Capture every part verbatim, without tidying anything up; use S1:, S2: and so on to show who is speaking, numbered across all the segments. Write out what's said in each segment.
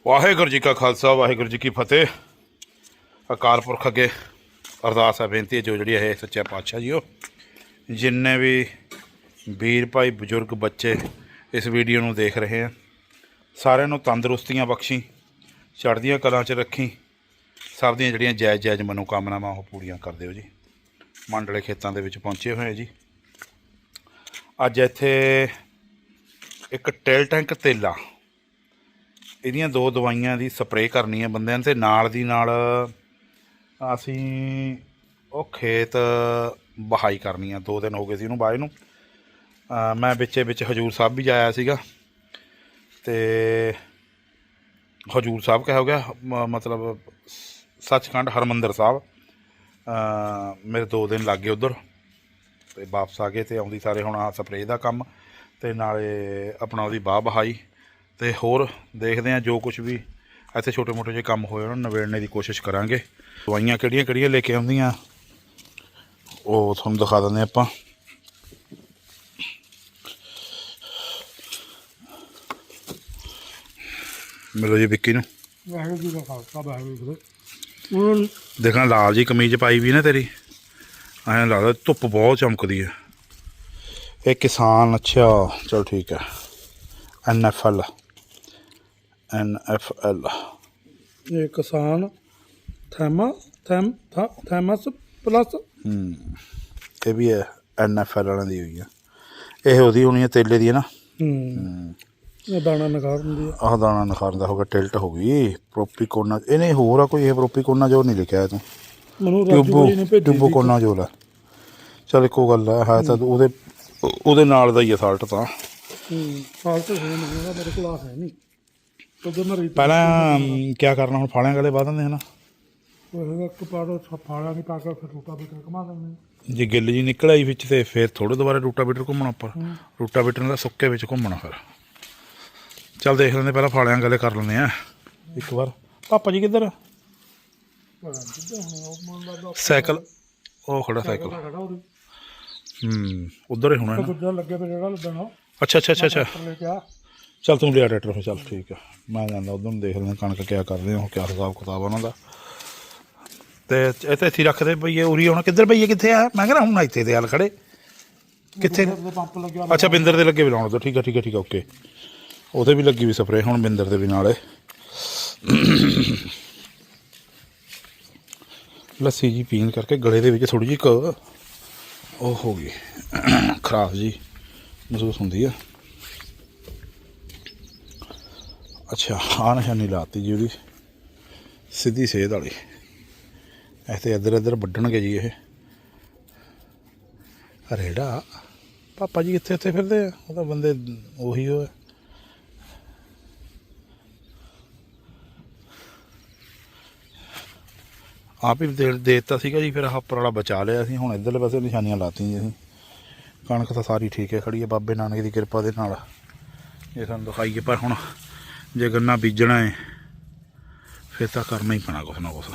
S1: ਵਾਹਿਗੁਰੂ ਜੀ ਕਾ ਖਾਲਸਾ ਵਾਹਿਗੁਰੂ ਜੀ ਕੀ ਫਤਿਹ। ਅਕਾਲ ਪੁਰਖ ਅੱਗੇ ਅਰਦਾਸ ਹੈ, ਬੇਨਤੀ ਹੈ ਜੋ ਜਿਹੜੀ ਹੈ ਸੱਚਾ ਪਾਤਸ਼ਾਹ ਜੀਓ, ਜਿੰਨੇ ਵੀ ਵੀਰ ਭਾਈ ਬਜ਼ੁਰਗ ਬੱਚੇ ਇਸ ਵੀਡੀਓ ਨੂੰ ਦੇਖ ਰਹੇ ਆ, ਸਾਰਿਆਂ ਨੂੰ ਤੰਦਰੁਸਤੀਆਂ ਬਖਸ਼ੀ, ਚੜ੍ਹਦੀਆਂ ਕਲਾਂ 'ਚ ਰੱਖੀ, ਸਭ ਦੀਆਂ ਜਿਹੜੀਆਂ ਜਾਇਜ਼ ਜਾਇਜ਼ ਮਨੋਕਾਮਨਾਵਾਂ ਉਹ ਪੂਰੀਆਂ ਕਰ ਦਿਓ ਜੀ। ਮੰਡਲੇ ਖੇਤਾਂ ਦੇ ਵਿੱਚ ਪਹੁੰਚੇ ਹੋਏ ਜੀ। ਅੱਜ ਇੱਥੇ ਇੱਕ ਟੇਲ ਟੈਂਕ ਤੇਲਾ, ਇਹਦੀਆਂ ਦੋ ਦਵਾਈਆਂ ਦੀ ਸਪਰੇਅ ਕਰਨੀ ਹੈ ਬੰਦਿਆਂ ਤੇ ਨਾਲ ਦੀ ਨਾਲ ਅਸੀਂ ਉਹ ਖੇਤ ਵਹਾਈ ਕਰਨੀ ਆ। ਦੋ ਦਿਨ ਹੋ ਗਏ ਸੀ ਉਹਨੂੰ ਵਾਹੇ ਨੂੰ। ਮੈਂ ਵਿੱਚੇ ਵਿੱਚ ਹਜੂਰ ਸਾਹਿਬ ਵੀ ਜਾਇਆ ਸੀਗਾ ਅਤੇ ਹਜੂਰ ਸਾਹਿਬ ਕਿਹਾ ਹੋ ਗਿਆ ਮ- ਮਤਲਬ ਸੱਚਖੰਡ ਹਰਿਮੰਦਰ ਸਾਹਿਬ। ਮੇਰੇ ਦੋ ਦਿਨ ਲੱਗ ਗਏ ਉੱਧਰ ਅਤੇ ਵਾਪਸ ਆ ਗਏ ਅਤੇ ਆਉਂਦੀ ਸਾਰੇ ਹੁਣ ਆ ਸਪਰੇਅ ਦਾ ਕੰਮ ਅਤੇ ਨਾਲੇ ਆਪਣਾ ਉਹਦੀ ਵਾਹ ਵਹਾਈ ਅਤੇ ਹੋਰ ਦੇਖਦੇ ਹਾਂ ਜੋ ਕੁਛ ਵੀ ਇੱਥੇ ਛੋਟੇ ਮੋਟੇ ਜਿਹੇ ਕੰਮ ਹੋਏ ਉਹਨਾਂ ਨੂੰ ਨਿਬੇੜਨੇ ਦੀ ਕੋਸ਼ਿਸ਼ ਕਰਾਂਗੇ। ਦਵਾਈਆਂ ਕਿਹੜੀਆਂ ਕਿਹੜੀਆਂ ਲੈ ਕੇ ਆਉਂਦੀਆਂ ਉਹ ਤੁਹਾਨੂੰ ਦਿਖਾ ਦਿੰਦੇ ਆਪਾਂ। ਮਿਲੋ ਜੀ ਵਿੱਕੀ ਨੂੰ।
S2: ਵਾਹਿਗੁਰੂ ਜੀ ਕਾ ਖਾਲਸਾ ਵਾਹਿਗੁਰੂ ਜੀ ਕੀ ਫਤਿਹ।
S1: ਦੇਖਣਾ ਲਾਲ ਜੀ ਕਮੀਜ਼ ਪਾਈ ਵੀ ਨਾ ਤੇਰੀ, ਐਂ ਲੱਗਦਾ ਧੁੱਪ ਬਹੁਤ ਚਮਕਦੀ ਹੈ। ਇਹ ਕਿਸਾਨ, ਅੱਛਾ ਚਲ ਠੀਕ ਹੈ, N F L N F L
S2: ਇਹ ਕਿਸਾਨ ਥੈਮਾ ਥੈਮ ਥਾ ਥੈਮਸ ਪਲੱਸ।
S1: ਇਹ ਵੀ ਹੈ ਐਨ ਐਫ ਐਲ ਵਾਲਿਆਂ ਦੀ ਹੋਈ ਆ। ਇਹ ਉਹਦੀ ਹੋਣੀ ਹੈ ਤੇਲੇ ਦੀ ਹੈ ਨਾ।
S2: ਹੂੰ ਇਹ ਦਾਣਾ ਨਿਖਾਰ ਹੁੰਦੀ ਆ।
S1: ਆਹ ਦਾਣਾ ਨਿਖਾਰਨ ਦਾ ਹੋ ਗਿਆ, ਟਿਲਟ ਹੋ ਗਈ ਪ੍ਰੋਪੀਕੋਨਾ। ਇਹਨੇ ਹੋਰ ਆ ਕੋਈ, ਇਹ ਪ੍ਰੋਪੀਕੋਨਾ ਜੋ ਨਹੀਂ ਲਿਖਿਆ ਤੂੰ,
S2: ਮੈਨੂੰ ਰਾਜੂ ਭਾਈ ਨੇ ਭੇਜੀ
S1: ਟਿਊਬੋ ਕੋਨਾ ਜੋ ਲਾ। ਚੱਲ ਇੱਕੋ ਗੱਲ ਹੈ, ਹੈ ਤਾਂ ਉਹਦੇ ਉਹਦੇ ਨਾਲ ਦਾ ਹੀ ਆ ਸਾਲਟ ਤਾਂ।
S2: ਹੂੰ ਸਾਲਟ ਹੈ ਨਹੀਂ ਮੇਰੇ ਕੋਲ, ਆ ਹੈ ਨਹੀਂ ਉਦੋਂ ਮੈਂ ਰੀਤ
S1: ਪਹਿਲਾਂ ਕਿਆ ਕਰਨਾ ਹੁਣ, ਫਾਲਿਆਂ ਗਲੇ ਬਾਹ ਦਿੰਦੇ ਹੈ ਨਾ।
S2: ਉਹ ਹੈਗਾ ਇੱਕ ਪਾੜੋ ਫਾਲਿਆਂ ਨਹੀਂ ਪਾ ਕੇ ਫਿਰ ਰੂਟਾ ਬੀਟਰ ਘੁਮਾ ਦਿੰਦੇ।
S1: ਜੇ ਗਿੱਲ ਜੀ ਨਿਕਲ ਆਈ ਵਿੱਚ ਤੇ ਫਿਰ ਥੋੜ੍ਹੇ ਦੁਬਾਰਾ ਰੂਟਾ ਬੀਟਰ ਘੁੰਮਣਾ ਉੱਪਰ। ਰੂਟਾ ਬੀਟਰ ਦਾ ਸੁੱਕੇ ਵਿੱਚ ਘੁੰਮਣਾ ਫਿਰ। ਚੱਲ ਦੇਖ ਲੈਂਦੇ, ਪਹਿਲਾਂ ਫਾਲਿਆਂ ਗਲੇ ਕਰ ਲੈਂਦੇ ਆ ਇੱਕ ਵਾਰ। ਪਾਪਾ ਜੀ ਕਿੱਧਰ? ਸਾਈਕਲ ਉਹ ਖੜਾ, ਸਾਈਕਲ ਹੂੰ ਉੱਧਰ ਹੀ ਹੋਣਾ ਨਾ।
S2: ਦੂਜਾ ਲੱਗੇ ਤੇ ਜਿਹੜਾ ਲੱਗਣਾ।
S1: ਅੱਛਾ ਅੱਛਾ ਅੱਛਾ ਅੱਛਾ
S2: ਲੈ ਕੇ ਆ।
S1: ਚੱਲ ਤੂੰ ਲਿਆ ਟਰੈਕਟਰ ਫਿਰ। ਚੱਲ ਠੀਕ ਆ, ਮੈਂ ਜਾਂਦਾ ਉੱਧਰ ਨੂੰ ਦੇਖ ਲੈਂਦੇ ਕਣਕ ਕਿਆ ਕਰਦੇ ਉਹ, ਕਿਆ ਹਿਸਾਬ ਕਿਤਾਬ ਉਹਨਾਂ ਦਾ। ਅਤੇ ਇਹ ਤਾਂ ਇੱਥੇ ਰੱਖਦੇ ਪਈਏ ਉਰੀ। ਹੁਣ ਕਿੱਧਰ ਪਈਏ, ਕਿੱਥੇ ਆ? ਮੈਂ ਕਹਿੰਦਾ ਹੁਣ ਇੱਥੇ ਦੇ ਹਾਲ ਖੜੇ ਕਿੱਥੇ?
S2: ਪੰਪ ਲੱਗਿਆ।
S1: ਅੱਛਾ ਬਿੰਦਰ ਦੇ ਲੱਗੇ ਵੀ ਲਾਉਣ ਤੋਂ। ਠੀਕ ਆ ਠੀਕ ਆ ਠੀਕ ਆ ਓਕੇ। ਉਹਦੇ ਵੀ ਲੱਗੀ ਵੀ ਸਪਰੇਅ ਹੁਣ, ਬਿੰਦਰ ਦੇ ਵੀ ਨਾਲੇ। ਲੱਸੀ ਜੀ ਪੀਣ ਕਰਕੇ ਗਲੇ ਦੇ ਵਿੱਚ ਥੋੜ੍ਹੀ ਜਿਹੀ ਕ ਉਹ ਹੋ ਗਈ, ਖਰਾਬ ਜੀ ਮਹਿਸੂਸ ਹੁੰਦੀ ਆ। ਅੱਛਾ ਆਹ ਨਿਸ਼ਾਨੀ ਲਾਤੀ ਜੀ ਉਹਦੀ, ਸਿੱਧੀ ਸੇਧ ਵਾਲੀ। ਇੱਥੇ ਇੱਧਰ ਇੱਧਰ ਵੱਢਣਗੇ ਜੀ ਇਹ ਰੇੜਾ। ਪਾਪਾ ਜੀ ਕਿੱਥੇ ਉੱਥੇ ਫਿਰਦੇ ਆ? ਉਹ ਤਾਂ ਬੰਦੇ ਉਹੀ ਹੋ। ਆਪ ਹੀ ਦੇ ਦੇ ਦਿੱਤਾ ਸੀਗਾ ਜੀ, ਫਿਰ ਆਹ ਉੱਪਰ ਵਾਲਾ ਬਚਾ ਲਿਆ ਸੀ। ਹੁਣ ਇੱਧਰਲੇ ਪਾਸੇ ਨਿਸ਼ਾਨੀਆਂ ਲਾਤੀਆਂ ਜੀ ਅਸੀਂ। ਕਣਕ ਤਾਂ ਸਾਰੀ ਠੀਕ ਹੈ, ਖੜੀ ਹੈ ਬਾਬੇ ਨਾਨਕ ਦੀ ਕਿਰਪਾ ਦੇ ਨਾਲ। ਇਹ ਸਾਨੂੰ ਦਿਖਾਈਏ, ਪਰ ਹੁਣ ਜੇ ਗੰਨਾ ਬੀਜਣਾ ਹੈ ਫਿਰ ਤਾਂ ਕਰਨਾ ਹੀ ਪੈਣਾ ਕੁਛ ਨਾ ਕੁਛ।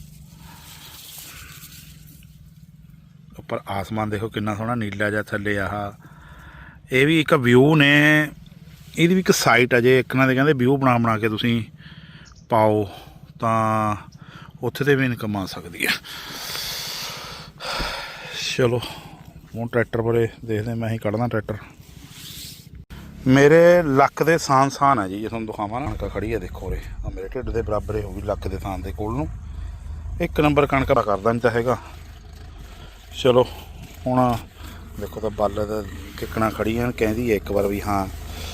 S1: ਉੱਪਰ ਆਸਮਾਨ ਦੇਖੋ ਕਿੰਨਾ ਸੋਹਣਾ ਨੀਲਾ ਜਿਹਾ, ਥੱਲੇ ਆਹ ਇਹ ਵੀ ਇੱਕ ਵਿਊ ਨੇ। ਇਹਦੀ ਵੀ ਇੱਕ ਸਾਈਟ ਆ, ਜੇ ਇੱਕ ਨਾ ਦੇ ਕਹਿੰਦੇ ਵਿਊ ਬਣਾ ਬਣਾ ਕੇ ਤੁਸੀਂ ਪਾਓ ਤਾਂ ਉੱਥੇ ਤੇ ਵੀ ਇਨਕਮ ਆ ਸਕਦੀ ਹੈ। ਚਲੋ ਹੁਣ ਟਰੈਕਟਰ ਬਾਰੇ ਦੇਖਦੇ, ਮੈਂ ਹੀ ਕੱਢਦਾ ਟਰੈਕਟਰ। ਮੇਰੇ ਲੱਕ ਦੇ ਸਾਨ ਸਾਨ ਹੈ ਜੀ, ਜੇ ਤੁਹਾਨੂੰ ਦਿਖਾਵਾਂ ਨਾ। ਕਣਕ ਖੜੀ ਹੈ ਦੇਖੋ ਉਰੇ, ਆ ਮੇਰੇ ਢਿੱਡ ਦੇ ਬਰਾਬਰ ਹੀ ਹੋਊਗੀ ਲੱਕ ਦੇ ਥਾਨ ਦੇ ਕੋਲ ਨੂੰ। ਇੱਕ ਨੰਬਰ ਕਣਕ ਦਾ ਕਰਦਾ ਨਹੀਂ ਤਾਂ ਹੈਗਾ। ਚਲੋ ਹੁਣ ਦੇਖੋ ਤਾਂ ਬੱਲ ਦਾ ਕਿੱਕਣਾ ਖੜੀਆਂ ਕਹਿੰਦੀ ਹੈ ਇੱਕ ਵਾਰ ਵੀ ਹਾਂ,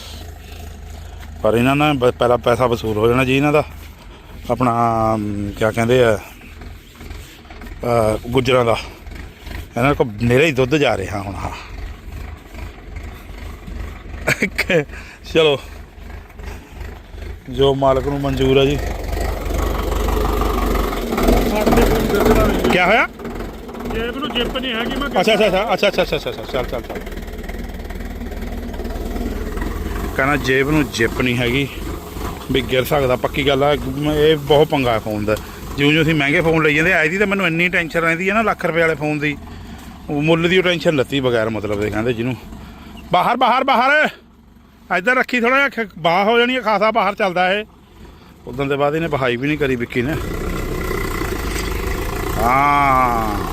S1: ਪਰ ਇਹਨਾਂ ਨਾਲ ਪਹਿਲਾਂ ਪੈਸਾ ਵਸੂਲ ਹੋ ਜਾਣਾ ਜੀ ਇਹਨਾਂ ਦਾ। ਆਪਣਾ ਕਿਆ ਕਹਿੰਦੇ ਆ ਗੁੱਜਰਾਂ ਦਾ, ਇਹਨਾਂ ਕੋਲ ਨੇਰਾ ਹੀ ਦੁੱਧ ਜਾ ਰਿਹਾ ਹੁਣ। ਹਾਂ ਚਲੋ ਜੋ ਮਾਲਕ ਨੂੰ ਮਨਜ਼ੂਰ ਹੈ ਜੀ। ਕਿਆ ਹੋਇਆ?
S2: ਜੇਬ ਨੂੰ ਜਿੱਪ ਨਹੀਂ ਹੈਗੀ। ਮੈਂ
S1: ਅੱਛਾ ਅੱਛਾ ਅੱਛਾ ਅੱਛਾ ਅੱਛਾ ਅੱਛਾ ਅੱਛਾ ਚੱਲ ਚੱਲ ਚੱਲ। ਕਹਿੰਦਾ ਜੇਬ ਨੂੰ ਜਿੱਪ ਨਹੀਂ ਹੈਗੀ ਵੀ ਗਿਰ ਸਕਦਾ। ਪੱਕੀ ਗੱਲ ਆ, ਇਹ ਬਹੁਤ ਪੰਗਾ ਫੋਨ ਦਾ। ਜਿਉਂ ਜਿਉਂ ਅਸੀਂ ਮਹਿੰਗੇ ਫੋਨ ਲਈ ਜਾਂਦੇ, ਆਈ ਦੀ ਤਾਂ ਮੈਨੂੰ ਇੰਨੀ ਟੈਨਸ਼ਨ ਰਹਿੰਦੀ ਹੈ ਨਾ ਲੱਖ ਰੁਪਏ ਵਾਲੇ ਫੋਨ ਦੀ। ਮੁੱਲ ਦੀ ਉਹ ਟੈਨਸ਼ਨ ਲੱਤੀ ਬਗੈਰ ਮਤਲਬ ਦੇ ਕਹਿੰਦੇ ਜਿਹਨੂੰ। ਬਾਹਰ ਬਾਹਰ ਬਾਹਰ ਇੱਧਰ ਰੱਖੀ, ਥੋੜ੍ਹਾ ਜਿਹਾ ਬਾਹ ਹੋ ਜਾਣੀ ਹੈ, ਖਾਸਾ ਬਾਹਰ ਚੱਲਦਾ ਇਹ। ਉਦੋਂ ਦੇ ਬਾਅਦ ਇਹਨੇ ਬਹਾਈ ਵੀ ਨਹੀਂ ਕਰੀ ਵਿੱਕੀ ਨੇ। ਹਾਂ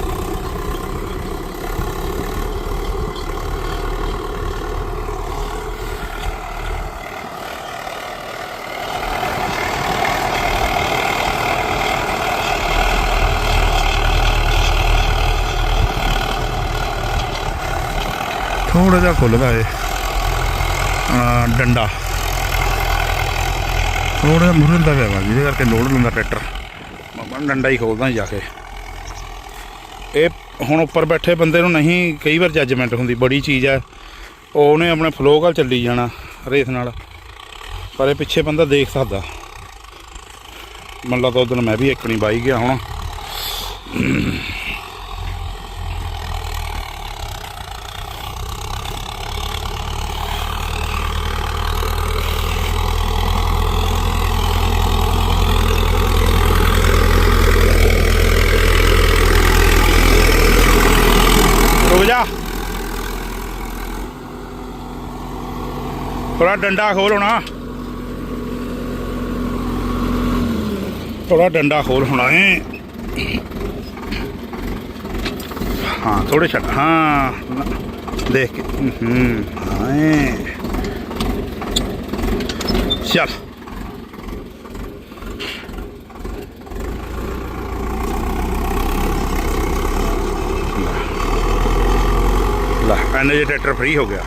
S1: ਥੋੜਾ ਜਿਹਾ ਖੁੱਲਦਾ ਏ ਡੰਡਾ, ਥੋੜਾ ਜਿਹਾ ਮੁਰਨ ਦਾ ਪਿਆ ਵਾ ਜਿਹਦੇ ਕਰਕੇ ਲੋਡ ਲੈਂਦਾ ਟਰੈਕਟਰ। ਮੈਂ ਡੰਡਾ ਹੀ ਖੋਲਦਾ ਜਾ ਕੇ। ਇਹ ਹੁਣ ਉੱਪਰ ਬੈਠੇ ਬੰਦੇ ਨੂੰ ਨਹੀਂ ਕਈ ਵਾਰ ਜੱਜਮੈਂਟ ਹੁੰਦੀ, ਬੜੀ ਚੀਜ਼ ਹੈ। ਉਹਨੇ ਆਪਣੇ ਫਲੋ ਨਾਲ ਚੱਲੀ ਜਾਣਾ ਰੇਸ ਨਾਲ, ਪਰ ਇਹ ਪਿੱਛੇ ਬੰਦਾ ਦੇਖ ਸਕਦਾ। ਮੰਨ ਲਾ ਤਾਂ ਉਦੋਂ ਮੈਂ ਵੀ ਇੱਕ ਨਹੀਂ ਬਾਈ ਗਿਆ ਹੁਣ। ਰੁਕ ਜਾ, ਥੋੜਾ ਡੰਡਾ ਖੋਲ ਹੋਣਾ, ਥੋੜਾ ਡੰਡਾ ਖੋਲ ਹੋਣਾ ਏ। ਹਾਂ ਥੋੜੇ ਛੱਡ, ਹਾਂ ਦੇਖ ਕੇ ਹੂੰ ਹਾਂ ਚੱਲ। ਲਾ ਐਨੇ ਜੇ ਟਰੈਕਟਰ ਫ੍ਰੀ ਹੋ ਗਿਆ।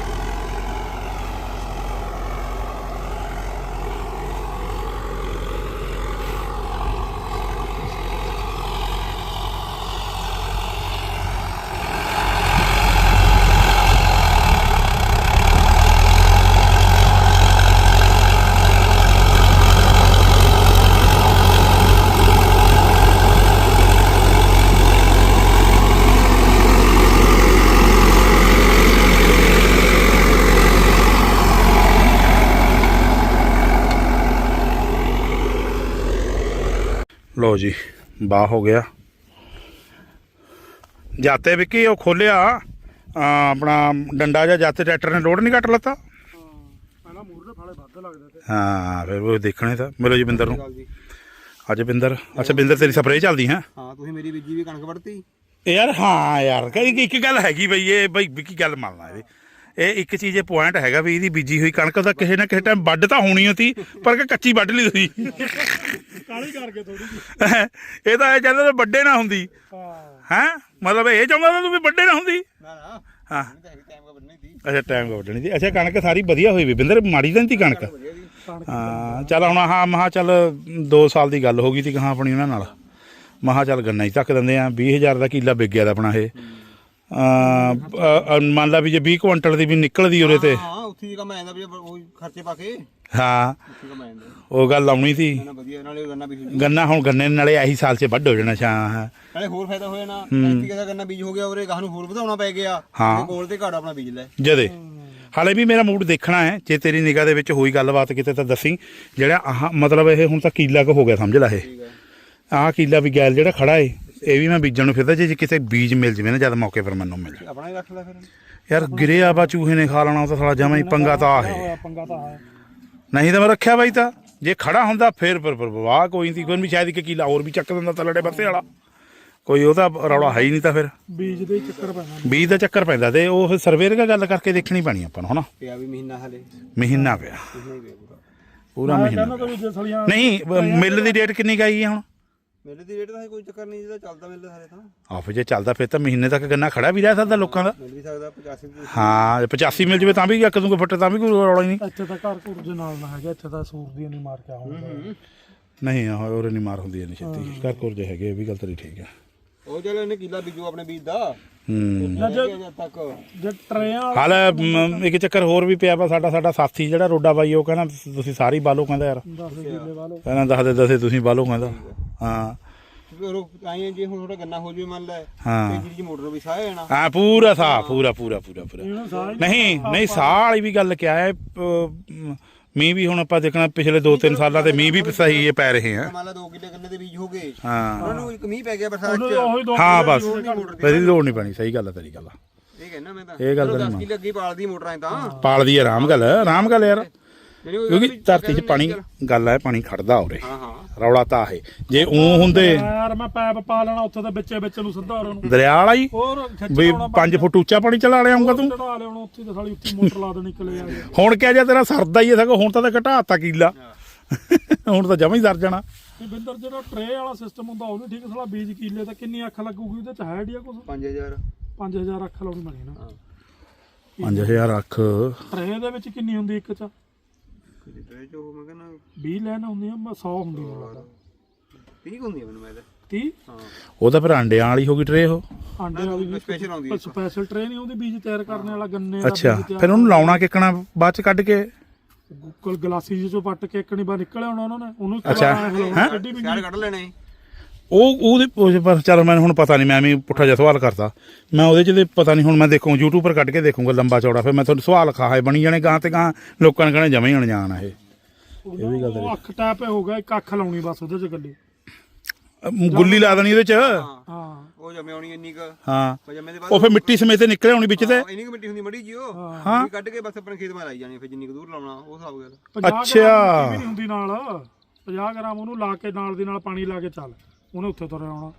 S1: ਲੋ ਜੀ ਬਾਹ ਹੋ ਗਿਆ ਜਾਤੇ ਵਿੱਕੀ। ਉਹ ਖੋਲਿਆ ਆਪਣਾ ਡੰਡਾ ਜਾਂ ਜਾਤੇ ਟਰੈਕਟਰ ਨੇ ਲੋਡ ਨਹੀਂ ਕੱਟ ਲੱਤਾ।
S2: ਪਹਿਲਾਂ ਮੂਹਰੇ ਫਾਲੇ ਵੱਧ ਲੱਗਦੇ ਤੇ।
S1: ਹਾਂ ਫਿਰ ਉਹ ਦੇਖਣੇ ਤਾਂ। ਮਿਲੋ ਜੀ ਬਿੰਦਰ ਨੂੰ। ਅੱਜ ਬਿੰਦਰ, ਅੱਛਾ ਬਿੰਦਰ ਤੇਰੀ ਸਪਰੇਅ ਚੱਲਦੀ ਹੈ?
S3: ਹਾਂ ਤੁਸੀਂ ਮੇਰੀ ਬੀਜੀ ਵੀ ਕਣਕ ਵੜਤੀ
S1: ਯਾਰ। ਹਾਂ ਯਾਰ ਕਈ ਇੱਕ ਗੱਲ ਹੈਗੀ ਬਈ, ਇਹ ਬਈ ਵਿੱਕੀ ਗੱਲ ਮੰਨਣਾ ਇਹਦੀ। ਇਹ ਇੱਕ ਚੀਜ਼ ਇਹ ਪੁਆਇੰਟ ਹੈਗਾ ਵੀ ਇਹਦੀ ਬੀਜੀ ਹੋਈ ਕਣਕ ਦਾ ਕਿਸੇ ਨਾ ਕਿਸੇ ਟਾਈਮ ਵੱਢ ਤਾਂ ਹੋਣੀ ਹੋਤੀ, ਪਰ ਕਿ ਕੱਚੀ ਵੱਢ ਲਈ ਤੁਸੀਂ
S2: ਕਾਲੀ ਕਰਕੇ ਥੋੜੀ ਜਿਹੀ।
S1: ਇਹ ਤਾਂ ਇਹ ਚਾਹੁੰਦਾ ਵੱਡੇ ਨਾ ਹੁੰਦੀ
S2: ਹਾਂ
S1: ਹੈ, ਮਤਲਬ ਇਹ ਚਾਹੁੰਦਾ ਤੂੰ ਵੀ ਵੱਡੇ ਨਾ ਹੁੰਦੀ।
S3: ਨਾ ਨਾ
S1: ਹਾਂ
S3: ਟਾਈਮ ਕਾ ਵੱਢਣੀ ਸੀ।
S1: ਅੱਛਾ ਟਾਈਮ ਵੱਢਣੀ ਸੀ। ਅੱਛਾ ਕਣਕ ਸਾਰੀ ਵਧੀਆ ਹੋਈ ਵੀ ਬਿੰਦਰ, ਮਾੜੀ ਤਾਂ ਨਹੀਂ ਤੀ ਕਣਕ? ਹਾਂ ਚੱਲ ਹੁਣ ਹਾਂ ਮਹਾ ਚੱਲ ਦੋ ਸਾਲ ਦੀ ਗੱਲ ਹੋ ਗਈ ਤੀ ਕਹਾਂ ਆਪਣੀ ਉਹਨਾਂ ਨਾਲ। ਮਹਾ ਚੱਲ ਗੰਨਾ ਹੀ ਧੱਕ ਦਿੰਦੇ ਆ। ਵੀਹ ਹਜ਼ਾਰ ਦਾ ਕਿੱਲਾ ਵਿਕ ਗਿਆ ਦਾ ਆਪਣਾ ਇਹ। ਮੰਨ ਲਾ ਵੀ ਜੇ ਵੀਹ ਕੁਇੰਟਲ ਦੀ ਵੀ ਨਿਕਲਦੀ ਉਰੇ ਤੇ।
S3: ਹਾਂ ਉੱਥੇ ਹੀ ਕੰਮ ਆ ਜਾਂਦਾ ਵੀ ਉਹ ਖਰਚੇ ਪਾ ਕੇ।
S1: ਹਾਂ
S3: ਉੱਥੇ ਕੰਮ ਆ ਜਾਂਦਾ
S1: ਉਹ ਗੱਲ ਆਉਣੀ ਸੀ।
S3: ਨਾ ਵਧੀਆ ਨਾਲੇ ਗੰਨਾ ਬੀਜ
S1: ਗੰਨਾ ਹੁਣ ਗੰਨੇ ਨਾਲੇ ਆਹੀ ਸਾਲ 'ਚ ਵੱਢ ਹੋ ਜਾਣਾ। ਛਾਂ
S3: ਨਾਲੇ ਹੋਰ ਫਾਇਦਾ ਹੋ ਜਾਣਾ। ਐਤਕੀ ਦਾ ਗੰਨਾ ਬੀਜ ਹੋ ਗਿਆ ਉਰੇ, ਗਾਹ ਨੂੰ ਹੋਰ ਵਧਾਉਣਾ ਪੈ ਗਿਆ।
S1: ਹਾਂ
S3: ਕੋਲ ਤੇ ਘਾੜ ਆਪਣਾ ਬੀਜ ਲੈ
S1: ਜਦੇ। ਹਾਲੇ ਵੀ ਮੇਰਾ ਮੂਡ ਦੇਖਣਾ ਹੈ। ਜੇ ਤੇਰੀ ਨਿਗਾਹ ਦੇ ਵਿੱਚ ਹੋਈ ਗੱਲਬਾਤ ਕਿਤੇ ਤਾਂ ਦੱਸੀ। ਜਿਹੜਾ ਆਹ ਮਤਲਬ ਇਹ ਹੁਣ ਤਾਂ ਕੀਲਾ ਕੁ ਹੋ ਗਿਆ ਸਮਝ ਲਾ। ਇਹ ਆਹ ਕੀਲਾ ਵੀ ਗੈਲ ਜਿਹੜਾ ਖੜਾ ਏ, ਇਹ ਵੀ ਮੈਂ ਬੀਜਣ ਨੂੰ ਫਿਰਦਾ। ਜੇ ਕਿਤੇ ਬੀਜ ਮਿਲ ਜਵੇ ਨਾ ਜਦ ਮੌਕੇ ਪਰ ਮੈਨੂੰ ਮਿਲ
S3: ਆਪਣਾ ਹੀ ਰੱਖ ਲੈ ਫਿਰ।
S1: ਯਾਰ ਗਿਰਿਆ ਵਾ ਚੂਹੇ ਨੇ ਖਾ ਲੈਣਾ। ਉਹ ਤਾਂ ਸਾਲਾ ਜਮਾਂ ਹੀ ਪੰਗਾ ਤਾਂ ਆ ਹੈ।
S2: ਪੰਗਾ ਤਾਂ ਹੈ
S1: ਨਹੀਂ ਤਾਂ ਮੈਂ ਰੱਖਿਆ ਬਾਈ ਤਾਂ। ਜੇ ਖੜਾ ਹੁੰਦਾ ਫਿਰ ਫਿਰ ਵਾਹ ਕੋਈ ਨਹੀਂ, ਕੋਈ ਵੀ ਸ਼ਾਇਦ ਇੱਕ ਕੀਲਾ ਹੋਰ ਵੀ ਚੱਕ ਦਿੰਦਾ ਤਲੜੇ ਬੱਤੇ ਵਾਲਾ। ਕੋਈ ਉਹਦਾ ਰੌਲਾ ਹੈ ਹੀ ਨਹੀਂ ਤਾਂ ਫਿਰ
S2: ਬੀਜ ਦੇ ਚੱਕਰ ਪੈਣਾ।
S1: ਬੀਜ ਦਾ ਚੱਕਰ ਪੈਂਦਾ ਤੇ ਉਹ ਫਿਰ ਸਰਵੇਅਰ ਨਾਲ ਗੱਲ ਕਰਕੇ ਦੇਖਣੀ ਪੈਣੀ ਆਪਾਂ ਨੂੰ ਹਨਾ।
S3: ਪਿਆ ਵੀ ਮਹੀਨਾ ਹਲੇ
S1: ਮਹੀਨਾ ਪਿਆ ਪੂਰਾ ਮਹੀਨਾ।
S2: ਸਲੀਆਂ
S1: ਨਹੀਂ ਮਿਲ ਦੀ ਡੇਟ ਕਿੰਨੀ ਗਈ ਹੈ ਹੁਣ?
S3: ਮੇਲੇ ਦੀ ਰੇਟ ਦਾ ਕੋਈ ਚੱਕਰ ਨਹੀਂ, ਜਿਹਦਾ ਚੱਲਦਾ ਮਿਲਦਾ ਸਾਰੇ ਤਾਂ।
S1: ਆਹ ਜੇ ਚੱਲਦਾ ਫਿਰ ਤਾਂ ਮਹੀਨੇ ਤੱਕ ਗੰਨਾ ਖੜਾ ਵੀ ਰਹਿ ਸਕਦਾ ਲੋਕਾਂ ਦਾ।
S3: ਮਿਲ ਵੀ ਸਕਦਾ ਪਚਾਸੀ।
S1: ਹਾਂ ਪਚਾਸੀ ਮਿਲ ਜਵੇ ਤਾਂ ਵੀ ਇੱਕ ਦੂਗੇ ਫੁੱਟ ਤਾਂ ਵੀ ਕੋਈ ਰੌਲਾ ਹੀ ਨਹੀਂ।
S2: ਇੱਥੇ ਤਾਂ ਘਰ ਘੁਰ ਦੇ ਨਾਲ ਨਾ ਹੈਗਾ। ਇੱਥੇ ਤਾਂ ਸੂਰ ਦੀ ਨਹੀਂ ਮਾਰ ਕੇ ਆਉਂਦਾ।
S1: ਨਹੀਂ ਆਹ ਹੋਰ ਨਹੀਂ ਮਾਰ ਹੁੰਦੀ ਨਹੀਂ ਛੇਤੀ। ਘਰ ਘੁਰ ਜੇ ਹੈਗੇ ਇਹ ਵੀ ਗੱਲ ਤੇਰੀ ਠੀਕ ਹੈ।
S3: ਉਹ ਚਲੋ ਇਹਨੇ ਕਿੱਲਾ ਬੀਜੂ ਆਪਣੇ ਬੀਜ ਦਾ।
S1: ਹੂੰ
S3: ਜਦ ਤੱਕ
S2: ਜੇ ਟਰੇਆਂ
S1: ਹਾਲ ਮ, ਇੱਕ ਚੱਕਰ ਹੋਰ ਵੀ ਪਿਆ ਵਾ। ਸਾਡਾ ਸਾਡਾ ਸਾਥੀ ਜਿਹੜਾ ਰੋਡਾ ਬਾਈ ਉਹ ਕਹਿੰਦਾ ਤੁਸੀਂ ਸਾਰੀ ਬਾਲੋ ਕਹਿੰਦਾ ਯਾਰ।
S2: ਦਸ ਕਿੱਲੇ ਵਾਲੋ
S1: ਕਹਿੰਦਾ ਦੱਸਦੇ ਦੱਸੇ ਤੁਸੀਂ ਬਾਲੋ ਕਹਿੰਦਾ। ਹਾਂ
S3: ਆਈ ਜੇ ਹੁਣ ਥੋੜਾ ਗੰਨਾ ਹੋ ਜਵੇ ਮੰਨ ਲੈ
S1: ਹਾਂ।
S3: ਤੇ ਜਿਹੜੀ ਮੋਟਰ ਵੀ ਸਾਹ ਜਾਣਾ।
S1: ਹਾਂ ਪੂਰਾ ਸਾਹ ਪੂਰਾ ਪੂਰਾ ਪੂਰਾ ਪੂਰਾ।
S2: ਇਹਨੂੰ ਸਾਰੀ
S1: ਨਹੀਂ ਨਹੀਂ ਸਾਹ ਵਾਲੀ ਵੀ ਗੱਲ ਕਿਆ ਹੈ। ਪ- ਮੀਂਹ ਵੀ ਹੁਣ ਆਪਾਂ ਦੇਖਣਾ ਪਿਛਲੇ ਦੋ ਤਿੰਨ ਸਾਲਾਂ ਤੇ ਮੀਂਹ ਵੀ ਸਹੀ ਇਹ ਪੈ ਰਹੇ ਆ।
S3: ਮੰਨ ਲਾ ਦੋ ਕਿੱਲੇ ਗੰਨੇ ਦੇ ਬੀਜ ਹੋ ਗਏ।
S1: ਹਾਂ
S3: ਉਹਨਾਂ ਨੂੰ ਇੱਕ ਮੀਂਹ ਪੈ ਗਿਆ ਬਰਸਾਤ
S2: ਉਹਨੂੰ
S3: ਚ।
S2: ਉਹੀ ਦੋ
S1: ਹਾਂ
S2: ਕਿੱਲੇ
S1: ਬਸ ਇਹਦੀ ਲੋੜ ਨਹੀਂ ਪੈਣੀ। ਸਹੀ ਗੱਲ ਹੈ ਤੇਰੀ ਗੱਲ।
S3: ਇਹ ਕਹਿੰਦਾ ਮੈਂ ਤਾਂ
S1: ਇਹ ਗੱਲ ਤਾਂ
S3: ਦਸ
S1: ਨਹੀਂ
S3: ਕਿੱਲੇ ਅੱਗੇ ਪਾਲਦੀ ਮੋਟਰਾਂ ਤਾਂ।
S1: ਪਾਲਦੀ ਆਰਾਮ ਗੱਲ ਆਰਾਮ ਗੱਲ ਯਾਰ। ਕਿਉਂਕਿ ਧਰਤੀ 'ਚ ਪਾਣੀ ਗੱਲ ਹੈ ਪਾਣੀ ਖੜਦਾ ਉਰੇ
S3: ਹਾਂ ਹਾਂ
S1: ਰੌਲਾ ਤਾਂ ਹੈ ਜੇ ਉਹ ਹੁੰਦੇ
S2: ਯਾਰ ਮੈਂ ਪੈਪ ਪਾ ਲੈਣਾ ਉੱਥੇ ਤਾਂ ਵਿੱਚੇ ਵਿੱਚ ਨੂੰ ਸਿੱਧਾ ਉਹਨਾਂ ਨੂੰ
S1: ਦਰਿਆ ਵਾਲਾ ਹੀ
S2: ਹੋਰ ਖਿੱਚ
S1: ਵੀ ਪੰਜ ਫੁੱਟ ਉੱਚਾ ਪਾਣੀ ਚਲਾ ਲਿਆ ਆਉਂਗਾ ਤੂੰ
S2: ਚੜਾ ਲਿਆਉਣਾ ਉੱਥੇ ਤਾਂ ਸਾਲੀ ਉੱਥੇ ਮੋਟਰ ਲਾ ਦੇਣੀ ਕਿਲੇ ਆ ਕੇ
S1: ਹੁਣ ਕਿਹਾ ਜਾ ਤੇਰਾ ਸਰਦਾ ਹੀ ਹੈ ਸਗੋਂ ਹੁਣ ਤਾਂ ਤੇ ਘਟਾਤਾ ਕੀਲਾ ਹੁਣ ਤਾਂ ਜਮਾ ਹੀ ਸਰ ਜਾਣਾ
S2: ਇਹ ਬਿੰਦਰ ਜਿਹੜਾ ਟਰੇ ਵਾਲਾ ਸਿਸਟਮ ਹੁੰਦਾ ਉਹ ਵੀ ਠੀਕ ਸਾਲਾ ਬੀਜ ਕੀਲੇ ਤਾਂ ਕਿੰਨੀ ਅੱਖ ਲੱਗੂਗੀ ਉਹਦੇ ਚ ਹੈ ਡੀਆ ਕੁਛ
S3: ਪੰਜ ਹਜ਼ਾਰ
S2: ਪੰਜ ਹਜ਼ਾਰ ਅੱਖ ਲਾਉਣੀ ਬਣੀ ਨਾ
S1: ਪੰਜ ਹਜ਼ਾਰ ਅੱਖ
S2: ਟਰੇ ਦੇ ਵਿੱਚ ਕਿੰਨੀ ਹੁੰਦੀ ਇੱਕ ਚ
S3: ਟਰੇ ਚ ਉਹ ਮੈਂ ਕਹਿੰਦਾ
S2: ਵੀਹ ਲੈਣ ਹੁੰਦੀਆਂ ਸੌ ਹੁੰਦੀ ਮੈਨੂੰ ਲੱਗਦਾ
S3: ਤੀਹ ਹੁੰਦੀ ਮੈਨੂੰ ਮੈਂ ਤਾਂ
S2: ਤੀਹ
S3: ਹਾਂ
S1: ਉਹ ਤਾਂ ਫਿਰ ਅੰਡਿਆਂ ਵਾਲੀ ਹੋ ਗਈ ਟਰੇ ਉਹ
S2: ਆਂਡੇ ਵਾਲੀ
S3: ਸਪੈਸ਼ਲ ਆਉਂਦੀ ਹੈ
S2: ਸਪੈਸ਼ਲ ਟਰੇ ਨਹੀਂ ਉਹਦੇ ਬੀਜ ਤਿਆਰ ਕਰਨ ਵਾਲਾ ਗੰਨੇ ਦਾ
S1: ਅੱਛਾ
S2: ਬੀਜ ਤਿਆਰ
S1: ਫਿਰ ਉਹਨੂੰ ਲਾਉਣਾ ਕਿੱਕਣਾ ਬਾਅਦ ਚ ਕੱਢ ਕੇ
S2: ਗੁੱਕਲ ਗਲਾਸੀ ਜਿਹੇ ਚੋਂ ਪੱਟ ਕੇ ਇੱਕਣੀ ਬਾਹਰ ਨਿਕਲ ਆਉਣਾ ਉਹਨਾਂ ਨੇ ਉਹਨੂੰ
S1: ਅੱਛਾ,
S2: ਹੈਂ? ਕੱਢੀ ਵੀ
S3: ਸਿਆੜ ਕੱਢ ਲੈਣੇ
S1: ਉਹ ਉਹਦੇ ਉਹ ਪਰ ਚੱਲ ਮੈਨੂੰ ਹੁਣ ਪਤਾ ਨਹੀਂ ਮੈਂ ਵੀ ਪੁੱਠਾ ਜਿਹਾ ਸਵਾਲ ਕਰਤਾ ਮੈਂ ਉਹਦੇ ਚ ਤੇ ਪਤਾ ਨਹੀਂ ਹੁਣ ਮੈਂ ਦੇਖੂ YouTube ਪਰ ਕੱਢ ਕੇ ਦੇਖੂੰਗਾ ਲੰਬਾ ਚੌੜਾ ਫਿਰ ਮੈਂ ਤੁਹਾਨੂੰ ਸਵਾਲ ਖਾਏ ਬਣੀ ਜਾਣੇ ਗਾਂ ਤੇ ਗਾਂ ਲੋਕਾਂ ਨੇ ਕਹਿਣਾ ਜਮਾ ਹੀ ਅਣਜਾਣ ਆ ਇਹ
S2: ਇਹ ਵੀ ਗੱਲ ਉਹ ਅੱਖ ਟੈਪ ਹੋ ਗਿਆ ਇੱਕ ਅੱਖ ਲਾਉਣੀ ਬਸ ਉਹਦੇ ਚ ਗੱਡੀ
S1: ਅਮ, ਗੁੱਲੀ ਲਾ ਦੇਣੀ ਉਹਦੇ ਚ
S2: ਹਾਂ
S3: ਉਹ ਜਮੇ ਆਉਣੀ ਇੰਨੀ ਕ
S1: ਹਾਂ
S3: ਜਮੇ ਦੇ ਬਾਅਦ
S1: ਉਹ ਫਿਰ ਮਿੱਟੀ ਸਮੇਤ ਨਿਕਲੇ ਆਉਣੀ ਵਿੱਚ ਤੇ
S3: ਇੰਨੀ ਕ ਮਿੱਟੀ ਹੁੰਦੀ ਮੜੀ ਜੀ ਉਹ
S1: ਹਾਂ
S3: ਕੱਢ ਕੇ ਬਸ ਆਪਣੇ ਖੇਤ ਮਾ ਲਾਈ ਜਾਣੀ ਫਿਰ ਜਿੰਨੀ ਕ ਦੂਰ ਲਾਉਣਾ ਉਹ ਹਿਸਾਬ ਗੱਲ
S2: ਪੰਜਾਹ
S1: ਅੱਛਾ।
S2: ਗ੍ਰਾਮ ਮਿੱਟੀ ਵੀ ਨਹੀਂ ਹੁੰਦੀ ਨਾਲ ਪੰਜਾਹ ਗ੍ਰਾਮ ਉਹਨੂੰ ਲਾ ਕੇ ਨਾਲ ਦੀ ਨਾਲ ਪਾਣੀ ਲਾ ਕੇ ਚੱਲ ਉਹਨੇ ਉੱਥੇ ਤੁਰ ਆਉਣਾ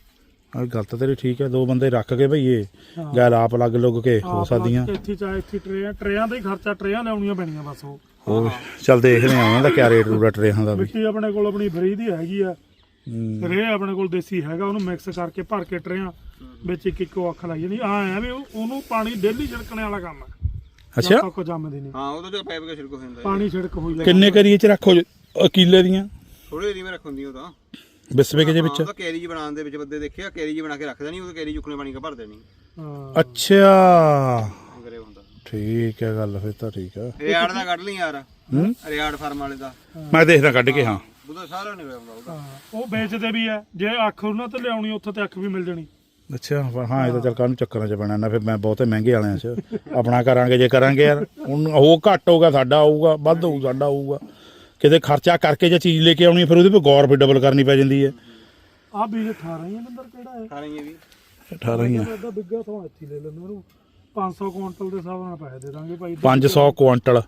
S1: ਆ ਗੱਲ ਤਾਂ ਤੇਰੀ ਠੀਕ ਹੈ ਦੋ ਬੰਦੇ ਰੱਖ ਕੇ ਭਈਏ ਗੈਲ ਆਪ ਲੱਗ ਲੁੱਗ ਕੇ ਹੋ ਸਕਦੀਆਂ
S2: ਇੱਥੇ ਚਾਹੇ ਇੱਥੇ ਟਰੇਆਂ ਟਰੇਆਂ ਦਾ ਹੀ ਖਰਚਾ ਟਰੇਆਂ ਲਿਆਉਣੀਆਂ ਪੈਣੀਆਂ ਬਸ ਉਹ
S1: ਹੋਰ ਚੱਲ ਦੇਖਦੇ ਆ ਉਹਨਾਂ ਦਾ ਕਿਆ ਰੇਟ ਰੂਟ ਟਰੇਹਾਂ ਦਾ ਵੀ
S2: ਮਿੱਟੀ ਆਪਣੇ ਕੋਲ ਆਪਣੀ ਫਰੀ ਦੀ ਹੈਗੀ ਆ
S1: ਹੂੰ।
S2: ਰੇ ਆਪਣੇ ਕੋਲ ਦੇਸੀ ਹੈਗਾ ਉਹਨੂੰ ਮਿਕਸ ਕਰਕੇ ਭਰ ਕੇ ਟਰੇਆਂ ਵਿੱਚ ਇੱਕ ਇੱਕ ਅੱਖ ਲਾਈ ਜਾਣੀ ਆ ਆ ਵੀ ਉਹ- ਉਹਨੂੰ ਪਾਣੀ ਡੇਲੀ ਛਿੜਕਣੇ ਵਾਲਾ ਕੰਮ ਹੈ
S1: ਅੱਛਾ
S2: ਜਦ ਤੱਕ ਜੰਮਦੀ ਨਹੀਂ
S3: ਹਾਂ ਉਹਦਾ ਜੋ ਪੈਪ ਕੇ ਛਿੜਕ ਹੋ ਜਾਂਦਾ
S2: ਪਾਣੀ ਛਿੜਕ ਹੋਈ ਜਾਂਦਾ
S1: ਕਿੰਨੇ ਕਰੀਏ ਚ ਰੱਖੋ ਜੀ? ਅ, ਕਿੱਲੇ ਦੀਆਂ
S3: ਥੋੜੇ ਜਿਹੀ ਮੈਂ ਰੱਖਉਂਦੀ ਉਹ ਤਾਂ
S1: ਬਿਸਵੇ ਕੇ ਜੇ ਵਿੱਚ
S3: ਉਹਦਾ ਕੈਰੀ ਜੀ ਬਣਾਉਣ ਦੇ ਵਿੱਚ ਬੰਦੇ ਦੇਖਿਆ ਕੈਰੀ ਜੀ ਬਣਾ ਕੇ ਰੱਖ ਦੇਣੀ ਉਹ ਕੈਰੀ ਚੁੱਕਣੇ ਪਾਣੀ ਕਾ ਭਰ ਦੇਣੀ
S2: ਹਾਂ
S1: ਅੱਛਾ
S3: ਕਰੇ ਹੁੰਦਾ
S1: ਠੀਕ ਹੈ ਗੱਲ ਫਿਰ ਤਾਂ ਠੀਕ ਹੈ
S3: ਰਿਆੜ ਦਾ ਕੱਢ ਲਈ ਯਾਰ
S1: ਹੂੰ
S3: ਰਿਆੜ ਫਾਰਮ ਵਾਲੇ ਦਾ
S1: ਮੈਂ ਦੇਖਦਾ ਕੱਢ ਕੇ ਹਾਂ
S3: ਉਹਦਾ ਸਾਰਾ ਨਿਕਲ ਆਉਂਦਾ ਉਹਦਾ
S2: ਹਾਂ, ਉਹ ਵੇਚਦੇ ਵੀ ਆ ਜੇ ਅੱਖ ਉਹਨਾਂ ਤੇ ਲਿਆਉਣੀ ਉੱਥੇ ਤੇ ਅੱਖ ਵੀ ਮਿਲ ਜਾਣੀ
S1: ਅੱਛਾ ਪਰ ਹਾਂ ਇਹ ਤਾਂ ਚੱਲ ਕਾਹਨੂੰ ਚੱਕਰਾਂ 'ਚ ਪੈਣਾ ਨਾ ਫਿਰ ਮੈਂ ਬਹੁਤੇ ਮਹਿੰਗੇ ਵਾਲਿਆਂ 'ਚ ਆਪਣਾ ਕਰਾਂਗੇ ਜੇ ਕਰਾਂਗੇ ਯਾਰ ਹੁਣ ਉਹ ਘੱਟ ਹੋਊਗਾ ਸਾਡਾ ਆਊਗਾ ਵੱਧ ਹੋਊ ਸਾਡਾ ਆਊਗਾ ਕਿਤੇ ਖਰਚਾ ਕਰਕੇ ਜੇ ਚੀਜ਼ ਲੈ ਕੇ ਆਉਣੀ ਫਿਰ ਉਹਦੇ 'ਤੇ ਗੌਰ ਫਿਰ ਡਬਲ ਕਰਨੀ ਪੈ ਜਾਂਦੀ ਹੈ
S2: ਆ ਬੀਜ ਅਠਾਰਾਂ ਹੀ ਆ ਨੰਬਰ ਕਿਹੜਾ ਹੈ
S3: ਸਾਰੇ ਇਹ ਵੀ
S1: ਅਠਾਰਾਂ ਹੀ ਆ
S2: ਉਹਦਾ ਬਿੱਗਾ ਤੋਂ ਇੱਥੇ ਲੈ ਲੈਂਦੇ ਉਹਨੂੰ ਪੰਜ ਸੌ ਕੁਇੰਟਲ ਦੇ ਹਿਸਾਬ ਨਾਲ ਪੈਸੇ ਦੇ ਦਾਂਗੇ ਭਾਈ
S1: ਪੰਜ ਸੌ ਕੁਆਂਟਲ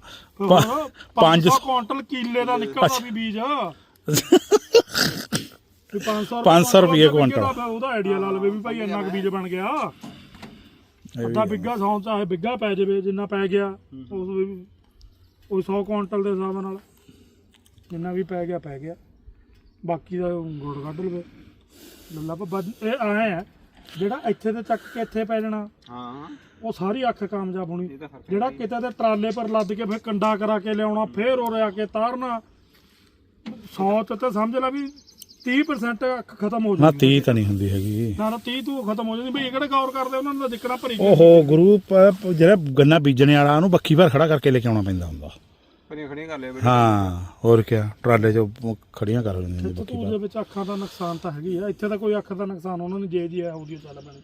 S2: ਪੰਜ ਸੌ ਕੁਇੰਟਲ ਕੀਲੇ ਦਾ ਨਿਕਲਦਾ ਵੀ ਬੀਜ ਵੀ ਪੰਜ ਸੌ
S1: ਪੰਜ ਸੌ ਰੁਪਏ ਕੁਇੰਟਲ
S2: ਉਹਦਾ ਆਈਡੀਆ ਲਾ ਲਵੇ ਵੀ ਭਾਈ ਇੰਨਾ ਕੁ ਬੀਜ ਬਣ ਗਿਆ ਅੱਧਾ ਬਿੱਗਾ ਸੌ ਚਾਹੇ ਬਿੱਗਾ ਪੈ ਜਾਵੇ ਜਿੰਨਾ ਪੈ ਗਿਆ ਉਸ ਵੀ ਉਹ ਸੌ ਕੁਇੰਟਲ ਦੇ ਹਿਸਾਬ ਨਾਲ ਜਿੰਨਾ ਵੀ ਪੈ ਗਿਆ ਪੈ ਗਿਆ ਬਾਕੀ ਦਾ ਗੁੜ ਕੱਢ ਲਵੇ ਲੱਲਾ ਪਾ ਇਹ ਆਏ ਆ ਜਿਹੜਾ ਇੱਥੇ ਤੇ ਚੱਕ ਕੇ ਇੱਥੇ ਪੈ ਜਾਣਾ
S3: ਹਾਂ
S2: ਉਹ ਸਾਰੀ ਅੱਖ ਕਾਮਯਾਬ ਹੋਣੀ
S3: ਇਹ ਤਾਂ ਫਰਕ
S2: ਜਿਹੜਾ ਕਿਤੇ ਤੇ ਟਰਾਲੇ ਪਰ ਲੱਦ ਕੇ ਫਿਰ ਕੰਡਾ ਕਰਾ ਕੇ ਲਿਆਉਣਾ ਫੇਰ ਉਰੇ ਆ ਕੇ ਤਾਰਨਾ ਸੌ ਤੇ ਤਾਂ ਸਮਝ ਲੈ ਵੀ ਤੀਹ ਪਰਸੈਂਟ ਅੱਖ ਖਤਮ ਹੋ
S1: ਨਾ
S2: ਜਾਂਦੀ
S1: ਤੀਹ ਤਾਂ ਨਹੀਂ ਹੁੰਦੀ ਹੈਗੀ
S2: ਨਾ ਨਾ ਤੀਹ ਤੋਂ ਖਤਮ ਹੋ ਜਾਂਦੀ ਬਈ ਇਹ ਕਿਹੜੇ ਗੌਰ ਕਰਦੇ ਉਹਨਾਂ ਨੂੰ ਤਾਂ ਦਿੱਕਣਾ ਭਰੀ
S1: ਓਹੋ ਗੁਰੂ ਪ- ਜਿਹੜਾ ਗੰਨਾ ਬੀਜਣੇ ਵਾਲਾ ਉਹਨੂੰ ਬੱਖੀ ਭਰ ਖੜਾ ਕਰਕੇ ਲੈ ਕੇ ਆਉਣਾ ਪੈਂਦਾ ਹੁੰਦਾ
S3: ਖੜੀਆਂ ਖੜੀਆਂ ਕਰ ਲਿਆ
S1: ਹਾਂ ਹੋਰ ਕਿਆ ਟਰਾਲੇ 'ਚ ਖੜੀਆਂ ਕਰ ਲੈਂਦੀਆਂ ਨੇ ਬੱਖੀ
S2: ਤੂੰ ਦੇ ਵਿੱਚ ਅੱਖਾਂ ਦਾ ਨੁਕਸਾਨ ਤਾਂ ਹੈਗੀ ਆ ਇੱਥੇ ਤਾਂ ਕੋਈ ਅੱਖ ਦਾ ਨੁਕਸਾਨ ਉਹਨਾਂ ਨੇ ਜੇ ਜੀ ਹੈ ਉਹਦੀ ਚੱਲ ਪੈਣੀ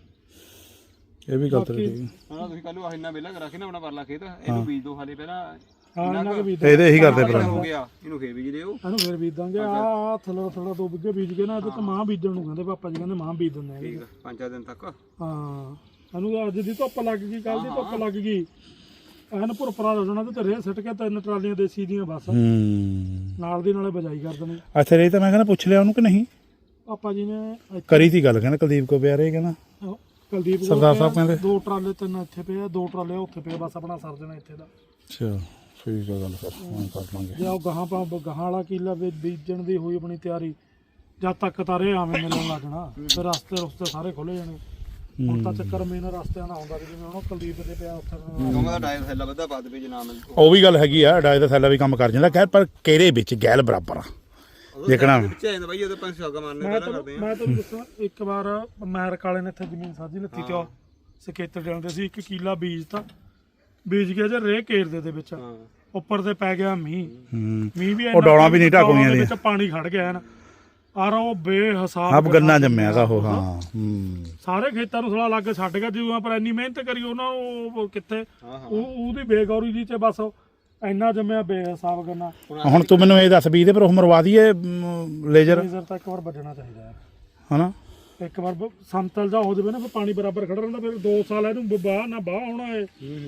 S1: ਇਹ ਵੀ ਗੱਲ ਤੇਰੀ ਠੀਕ ਹੈ।
S3: ਹਾਂ ਤੁਸੀਂ ਕੱਲ ਨੂੰ ਇੰਨਾ ਵਿਹਲਾ ਕਰਾ ਕੇ ਨਾ ਆਪਣਾ ਪਰਲਾ ਖੇਤ ਇਹਨੂੰ ਬੀਜ ਦੋ ਹਾਲੇ ਪਹਿਲਾਂ
S2: ਹਾਂ ਇਹਨਾਂ ਕੇ ਬੀਜ
S1: ਇਹਦੇ ਇਹੀ ਕਰਦੇ
S3: ਪਹਿਲਾਂ
S1: ਭਰਾ
S3: ਹੋ ਗਿਆ ਇਹਨੂੰ ਫੇਰ ਬੀਜ ਲਿਓ
S2: ਇਹਨੂੰ ਫੇਰ ਬੀਜ ਦਾਂਗੇ ਆ ਥੱਲੇ ਥੱਲੇ ਦੋ ਬਿੱਗੇ ਬੀਜ ਕੇ ਨਾ ਇਹਦੇ ਤੇ ਮਾਂ ਬੀਜਣ ਨੂੰ ਕਹਿੰਦੇ ਪਾਪਾ ਜੀ ਕਹਿੰਦੇ ਮਾਂ ਬੀਜ ਦਿੰਦੇ ਆ
S3: ਠੀਕ ਆ ਪੰਜ ਚਾਰ ਦਿਨ ਤੱਕ
S2: ਹਾਂ ਇਹਨੂੰ ਅੱਜ ਦੀ ਧੁੱਪ ਲੱਗ ਗਈ ਕੱਲ ਦੀ ਧੁੱਪ ਲੱਗ ਗਈ ਐਨ ਭੁਰਪਰਾ ਹੋ ਜਾਣਾ ਤੇ ਰੇਹ ਸਿੱਟ ਕੇ ਤਿੰਨ ਟਰਾਲੀਆਂ ਦੇਸੀ ਦੀਆਂ ਬਸ
S1: ਹੂੰ
S2: ਨਾਲ ਦੀ ਨਾਲੇ ਬਜਾਈ ਕਰ ਦੇਣੀ
S1: ਅੱਛਾ ਰੇ ਤਾਂ ਮੈਂ ਕਹਿੰਦਾ ਪੁੱਛ ਲਿਆ ਉਹਨੂੰ ਕਿ ਨਹੀਂ
S2: ਪਾਪਾ ਜੀ ਨੇ ਇੱਥੇ-
S1: ਕਰੀ ਤੀ ਗੱਲ ਕਹਿੰਦਾ ਕੁਲਦੀਪ ਕੋ ਪਿਆ ਰਹੇ ਕਹਿੰਦਾ
S2: ਉਹ ਕੁਲਦੀਪ ਕੋਲ
S1: ਸਰਦਾਰ
S2: ਪਿਆ,
S1: ਸਾਹਿਬ ਕਹਿੰਦੇ।
S2: ਦੋ ਟਰਾਲੇ ਤਿੰਨ ਇੱਥੇ ਪਏ ਆ ਦੋ ਟਰਾਲੇ ਉੱਥੇ ਪਏ ਆ, ਬਸ ਆਪਣਾ ਸਰ ਦੇਣਾ ਇੱਥੇ ਦਾ
S1: ਅੱਛਾ ਠੀਕ ਹੈ ਗੱਲ ਫਿਰ ਹੁਣ ਕਰ ਲਾਂਗੇ
S2: ਜੇ ਉਹ ਗਾਹਾਂ ਪਾ ਗਾਹਾਂ ਵਾਲਾ ਕੀਲਾ ਵੀ ਬੀਜਣ ਦੀ ਹੋਈ ਆਪਣੀ ਤਿਆਰੀ ਜਦ ਤੱਕ ਤਾਰੇ ਆਵੇਂ ਮਿਲਣ ਲੱਗਣਾ ਫਿਰ ਰਸਤੇ ਰਸਤੇ ਸਾਰੇ ਖੁੱਲੇ ਜਾਣੇ ਹੁਣ ਤਾਂ ਚੱਕਰ ਮੇਨ ਰਸਤਿਆਂ ਨਾਲ ਆਉਂਦਾ ਵੀ ਜਿਵੇਂ ਹੁਣ ਉਹ ਕੁਲਦੀਪ ਦੇ ਪਿਆ ਉੱਥੇ
S3: ਕਹੂੰਗਾ ਦਾ ਟਾਇਰ ਥੱਲਾ ਵੱਧਾ ਪਾ ਦੇਵੇ ਜੇ ਨਾ ਮਿਲ
S1: ਉਹ ਵੀ ਗੱਲ ਹੈਗੀ ਆ ਡਾਇ ਦਾ ਥੈਲਾ ਵੀ ਕੰਮ ਕਰ ਜਾਂਦਾ ਖੈਰ ਪਰ ਕਿਹੜੇ ਵਿੱਚ ਗੈਲ ਬਰਾਬਰ ਆ ਦੇਖਣਾ
S3: ਵਿੱਚ ਆ ਜਾਂਦਾ ਬਾਈ ਉਹਦੇ ਪੰਜ ਛਾਗਾ ਮਾਰਨੇ
S2: ਮੈਂ
S3: ਪਹਿਲਾਂ
S2: ਤੁਹਾਨੂੰ
S3: ਕਰਦੇ ਆ
S2: ਮੈਂ ਤੁਹਾਨੂੰ ਦੱਸਾਂ ਇੱਕ ਵਾਰ ਅਮਰੀਕ ਵਾਲੇ ਨੇ ਇੱਥੇ ਜ਼ਮੀਨ ਸਾਂਝੀ ਲੱਤੀ ਤੇ ਉਹ ਸਕੇਤਰ ਜਾਂਦੇ ਸੀ ਇੱਕ ਕੀਲਾ ਬੀਜ ਤਾਂ ਬੀਜ ਗਿਆ ਜੇ ਰੇਹ ਕੇਰਦੇ ਦੇ ਵਿੱਚ
S3: ਹਾਂ
S2: ਉੱਪਰ ਤੇ ਪੈ ਗਿਆ ਮੀਂਹ
S1: ਹੂੰ
S2: ਮੀਂਹ ਵੀ
S1: ਉਹ ਡੌਲਾਂ ਵੀ ਨਹੀਂ ਢਾਕਣੀਆਂ
S2: ਦੇ ਵਿੱਚ ਪਾਣੀ ਖੜ ਗਿਆ ਨਾ ਆਰ ਉਹ ਬੇਹਿਸਾਬ
S1: ਆਪ ਗੰਨਾ ਜੰਮਿਆ ਦਾ ਉਹ ਹਾਂ ਹੂੰ
S2: ਸਾਰੇ ਖੇਤਾਂ ਨੂੰ ਥੋੜਾ ਲੱਗ ਛੱਡ ਗਿਆ ਜਿਉਂ ਪਰ ਇੰਨੀ ਮਿਹਨਤ ਕਰੀ ਉਹਨਾਂ ਨੂੰ ਉਹ ਕਿੱਥੇ
S3: ਹਾਂ ਹਾਂ
S2: ਉਹ ਉਹਦੀ ਬੇਗੌਰੀ ਦੀ ਤੇ ਬਸ ਇੰਨਾ ਜੰਮਿਆ ਬੇਹਿਸਾਬ ਗੰਨਾ
S1: ਹੁਣ ਤੂੰ ਮੈਨੂੰ ਇਹ ਦੱਸ ਵੀ ਇਹਦੇ ਪਰ ਉਹ ਮਰਵਾ ਦਈਏ ਲੇਜ਼ਰ
S2: ਲੇਜ਼ਰ ਤਾਂ ਇੱਕ ਵਾਰ ਵੱਜਣਾ ਚਾਹੀਦਾ ਹੈ
S1: ਹਨਾ
S2: ਇੱਕ ਵਾਰ ਬ- ਸੰਤਲ ਜਾ ਹੋ ਜਾਵੇ ਨਾ ਫਿਰ ਪਾਣੀ ਬਰਾਬਰ ਖੜਾ ਰਹਿੰਦਾ ਫਿਰ ਦੋ ਸਾਲ ਇਹਨੂੰ ਬਾਹ ਨਾ ਬਾਹ ਹੋਣਾ ਹੈ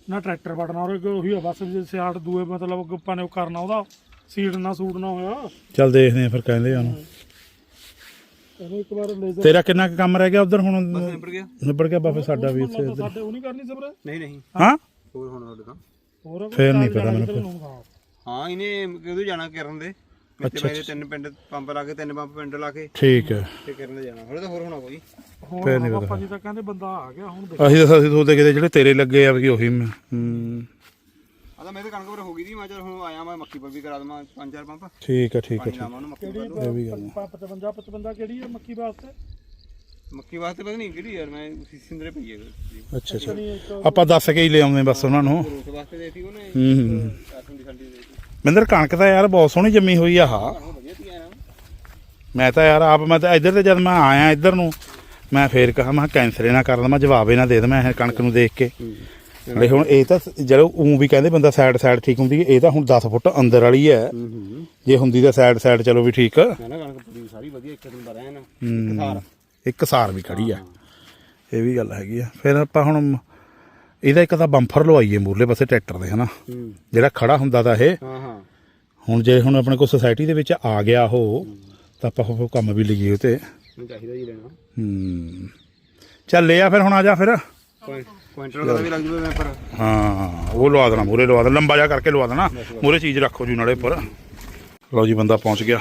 S2: ਨਾ ਟਰੈਕਟਰ ਵੜਨਾ ਔਰ ਉਹੀ ਆ ਬਸ ਜੇ ਸਿਆੜ ਦੂਏ ਮਤਲਬ ਆਪਾਂ ਨੇ ਉਹ ਕਰਨਾ ਉਹਦਾ ਸੀਡ ਨਾ ਸੂਟ ਨਾ ਹੋਇਆ।
S1: ਚੱਲ ਦੇਖਦੇ ਆ ਫਿਰ ਕਹਿੰਦੇ ਆ ਉਹਨੂੰ।
S2: ਇਹਨੂੰ ਇੱਕ ਵਾਰ ਲੇਜ਼ਰ
S1: ਤੇਰਾ ਕਿੰਨਾ ਕੁ ਕੰਮ ਰਹਿ ਗਿਆ ਉਧਰ ਹੁਣ?
S3: ਨਿਬੜ ਗਿਆ
S1: ਨਿਬੜ ਗਿਆ ਬਾਬੇ ਸਾਡਾ ਵੀ ਇੱਥੇ ਇੱਧਰ।
S2: ਸਾਡੇ ਉਹ ਨਹੀਂ ਕਰਨੀ ਸਬਰ
S3: ਨਹੀਂ ਨਹੀਂ
S1: ਹਾਂ
S3: ਹੋਰ ਹੁਣ ਸਾਡੇ ਤਾਂ
S2: ਹੋਰ
S1: ਫੇਰ ਨਹੀਂ ਪਤਾ ਮੈਨੂੰ ਫਿਰ।
S3: ਹਾਂ ਇਹਨੇ ਕਿਉਂ ਜਾਣਾ ਕਰਨ ਦੇ ਮਿੱਤੇ ਬਾਈ ਦੇ ਤਿੰਨ ਪਿੰਡ ਪੰਪ ਲਾ ਕੇ ਤਿੰਨ ਪੰਪ ਪਿੰਡ ਲਾ ਕੇ
S1: ਠੀਕ ਹੈ।
S3: ਤੇ ਕਰਨ ਦੇ ਜਾਣਾ ਹੋਰ ਤਾਂ ਹੋਰ ਹੋਣਾ ਕੋਈ
S2: ਫੇਰ ਨਹੀਂ ਪਤਾ। ਜੀ ਤਾਂ ਕਹਿੰਦੇ ਬੰਦਾ ਆ ਗਿਆ ਹੁਣ ਦੇਖ।
S1: ਅਸੀਂ ਤਾਂ ਅਸੀਂ ਸੋਚਦੇ ਕਿਤੇ ਜਿਹੜੇ ਤੇਰੇ ਲੱਗੇ ਆ ਵੀ ਉਹੀ ਮੈਂ ਹੂੰ
S3: ਆ ਤਾਂ ਮੇਰੇ ਕਣਕ ਪਰ ਹੋ ਗਈ ਦੀ ਮੈਂ ਚਲ ਹੁਣ ਆਇਆ ਮੈਂ ਮੱਕੀ ਪਰ ਵੀ ਕਰਾ ਦਵਾਂ ਪੰਜ ਚਾਰ ਪੰਪ
S1: ਠੀਕ ਹੈ ਠੀਕ ਹੈ
S3: ਪਾਣੀ
S1: ਠੀਕ।
S3: ਲਾਵਾਂ ਉਹਨੂੰ ਮੱਕੀ
S2: ਕਿਹੜੀ
S3: ਪਰ
S1: ਇਹ ਵੀ ਗੱਲ
S2: ਪਚਵੰਜਾ ਪਚਵੰਜਾ ਕਿਹੜੀ ਹੈ ਮੱਕੀ ਵਾਸਤੇ?
S3: ਮੱਕੀ ਵਾਸਤੇ ਪਤਾ ਨਹੀਂ ਕਿਹੜੀ ਯਾਰ ਮੈਂ ਸਿੰਦਰੇ ਪਈ ਹੈ
S1: ਅੱਛਾ ਅੱਛਾ ਆਪਾਂ ਦੱਸ ਕੇ ਹੀ ਲੈ ਆਉਂਦੇ ਬਸ ਉਹਨਾਂ ਨੂੰ।
S3: ਰੋਸ ਵਾਸਤੇ ਦੇਤੀ ਉਹਨੇ
S1: ਹੂੰ ਹੂੰ
S3: ਸਾਡੀ ਸਾਡੀ ਦੇਤੀ
S1: ਮਿੰਦਰ ਕਣਕ ਤਾਂ ਯਾਰ ਬਹੁਤ ਸੋਹਣੀ ਜੰਮੀ ਹੋਈ ਆ। ਹਾਂ
S3: ਵਧੀਆ ਤੀ ਆਇਆ
S1: ਮੈਂ ਤਾਂ ਯਾਰ ਆਪ ਮੈਂ ਤਾਂ ਇੱਧਰ ਤੇ ਜਦ ਮੈਂ ਆਇਆ ਇੱਧਰ ਨੂੰ ਮੈਂ ਫੇਰ ਕਹਾ ਮੈਂ ਕੈਂਸਲ ਨਾ ਕਰ ਦਵਾਂ ਜਵਾਬ ਇਹ ਨਾ ਦੇ ਦਵਾਂ ਇਹ ਕਣਕ ਨੂੰ ਦੇਖ ਕੇ। ਲੈ ਹੁਣ ਇਹ ਤਾਂ ਜਦੋਂ ਉਹ ਵੀ ਕਹਿੰਦੇ ਬੰਦਾ ਸਾਈਡ ਸਾਈਡ ਠੀਕ ਹੁੰਦੀ ਇਹ ਤਾਂ ਹੁਣ ਦਸ ਫੁੱਟ ਅੰਦਰ ਵਾਲੀ ਹੈ। ਜੇ ਹੁੰਦੀ ਤਾਂ ਸਾਈਡ ਸਾਈਡ ਚਲੋ ਵੀ ਠੀਕ।
S3: ਮੈਂ ਨਾ ਕਣਕ ਪੂਰੀ ਸਾਰੀ ਵਧੀਆ ਇੱਕ ਦਿਨ ਦਾ ਰਹਿ ਨਾ ਇੱਕ ਸਾਰ
S1: ਇੱਕ ਸਾਰ ਵੀ ਖੜੀ ਆ ਇਹ ਵੀ ਗੱਲ ਹੈਗੀ ਆ। ਫਿਰ ਆਪਾਂ ਹੁਣ ਇਹਦਾ ਇੱਕ ਤਾਂ ਬੰਫਰ ਲਵਾਈਏ ਮੂਰਲੇ ਪਾਸੇ ਟਰੈਕਟਰ ਦੇ ਹਨਾ ਜਿਹੜਾ ਖੜਾ ਹੁੰਦਾ ਤਾਂ ਇਹ।
S3: ਹਾਂ ਹਾਂ
S1: ਹੁਣ ਜੇ ਹੁਣ ਆਪਣੇ ਕੋਲ ਸੁਸਾਇਟੀ ਦੇ ਵਿੱਚ ਆ ਗਿਆ ਉਹ ਤਾਂ ਆਪਾਂ ਉਹ ਕੰਮ ਵੀ ਲਈਏ ਉਹ ਤੇ।
S3: ਮੈਨੂੰ ਚਾਹੀਦਾ ਜੀ ਲੈਣਾ
S1: ਹੂੰ ਚੱਲ ਲਿਆ ਫਿਰ ਹੁਣ ਆ ਜਾ ਫਿਰ।
S3: ਕੁਇੰਟਲ ਦਾ ਵੀ ਲੱਗ ਜੂਗਾ ਮੈਂ ਪਰ
S1: ਹਾਂ ਉਹ ਲਵਾ ਦੇਣਾ ਮੂਰੇ ਲਵਾ ਦੇਣਾ ਲੰਬਾ ਜਾ ਕਰਕੇ ਲਵਾ ਦੇਣਾ ਮੂਰੇ ਚੀਜ਼ ਰੱਖੋ ਜੀ ਨਾਲੇ ਉੱਪਰ। ਲਓ ਜੀ ਬੰਦਾ ਪਹੁੰਚ ਗਿਆ।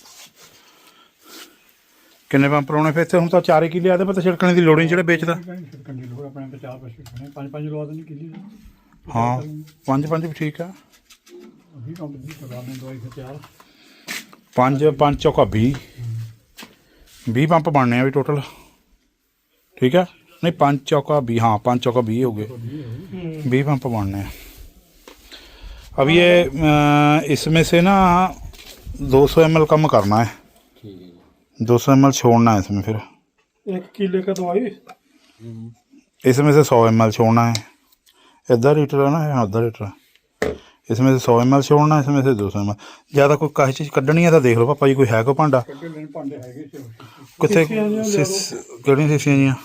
S1: ਕਿੰਨੇ ਪੰਪ ਲਾਉਣੇ ਫਿਰ ਇੱਥੇ? ਹੁਣ ਤਾਂ ਚਾਰੇ ਕਿੱਲੇ ਆਦੇ ਪਤਾ ਛਿੜਕਣੇ ਦੀ ਲੋੜ ਨਹੀਂ ਜਿਹੜੇ ਵੇਚਦਾ।
S2: ਕੰਡੀ ਲੋੜ ਆਪਣੇ ਤੇ ਚਾਰ ਪਸ਼ੂ ਖਣੇ ਪੰਜ ਪੰਜ ਲਵਾ ਦੇਣੀ ਕਿੱਲੀ
S1: ਹਾਂ ਪੰਜ ਪੰਜ ਵੀ ਠੀਕ ਆ।
S2: ਵੀ ਕੰਮ ਦੀ ਕਰਵਾਉਣੇ ਦਵਾਈ ਫਿਰ ਚਾਰ
S1: ਪੰਜ ਪੰਜ ਚੌਕਾ ਵੀਹ ਵੀਹ ਪੰਪ ਬਣਨੇ ਆ ਵੀ ਟੋਟਲ ਠੀਕ ਹੈ। नहीं पाँच चौका भी हाँ पाँच चौका भी हो गए भी पंप बनने हैं। अब ये इसमें से ना दो सौ एम एल कम करना है दो सौ एम एल छोड़ना है इसमें फिर
S2: एक किले का दवाई
S1: इसमें से सौ एम एल छोड़ना है। इधर लीटर है ना हाँ अद्धा लीटर इसमें से सौ एम एल छोड़ना है इसमें से दो सौ एम एल। ज़्यादा कोई काही चीज़ कढ़नी है तो देख लो पापा जी कोई है कोई भांडा कितने ਕਿਹੜੀਆਂ ਸੀਸੀਆਂ ਜੀਆਂ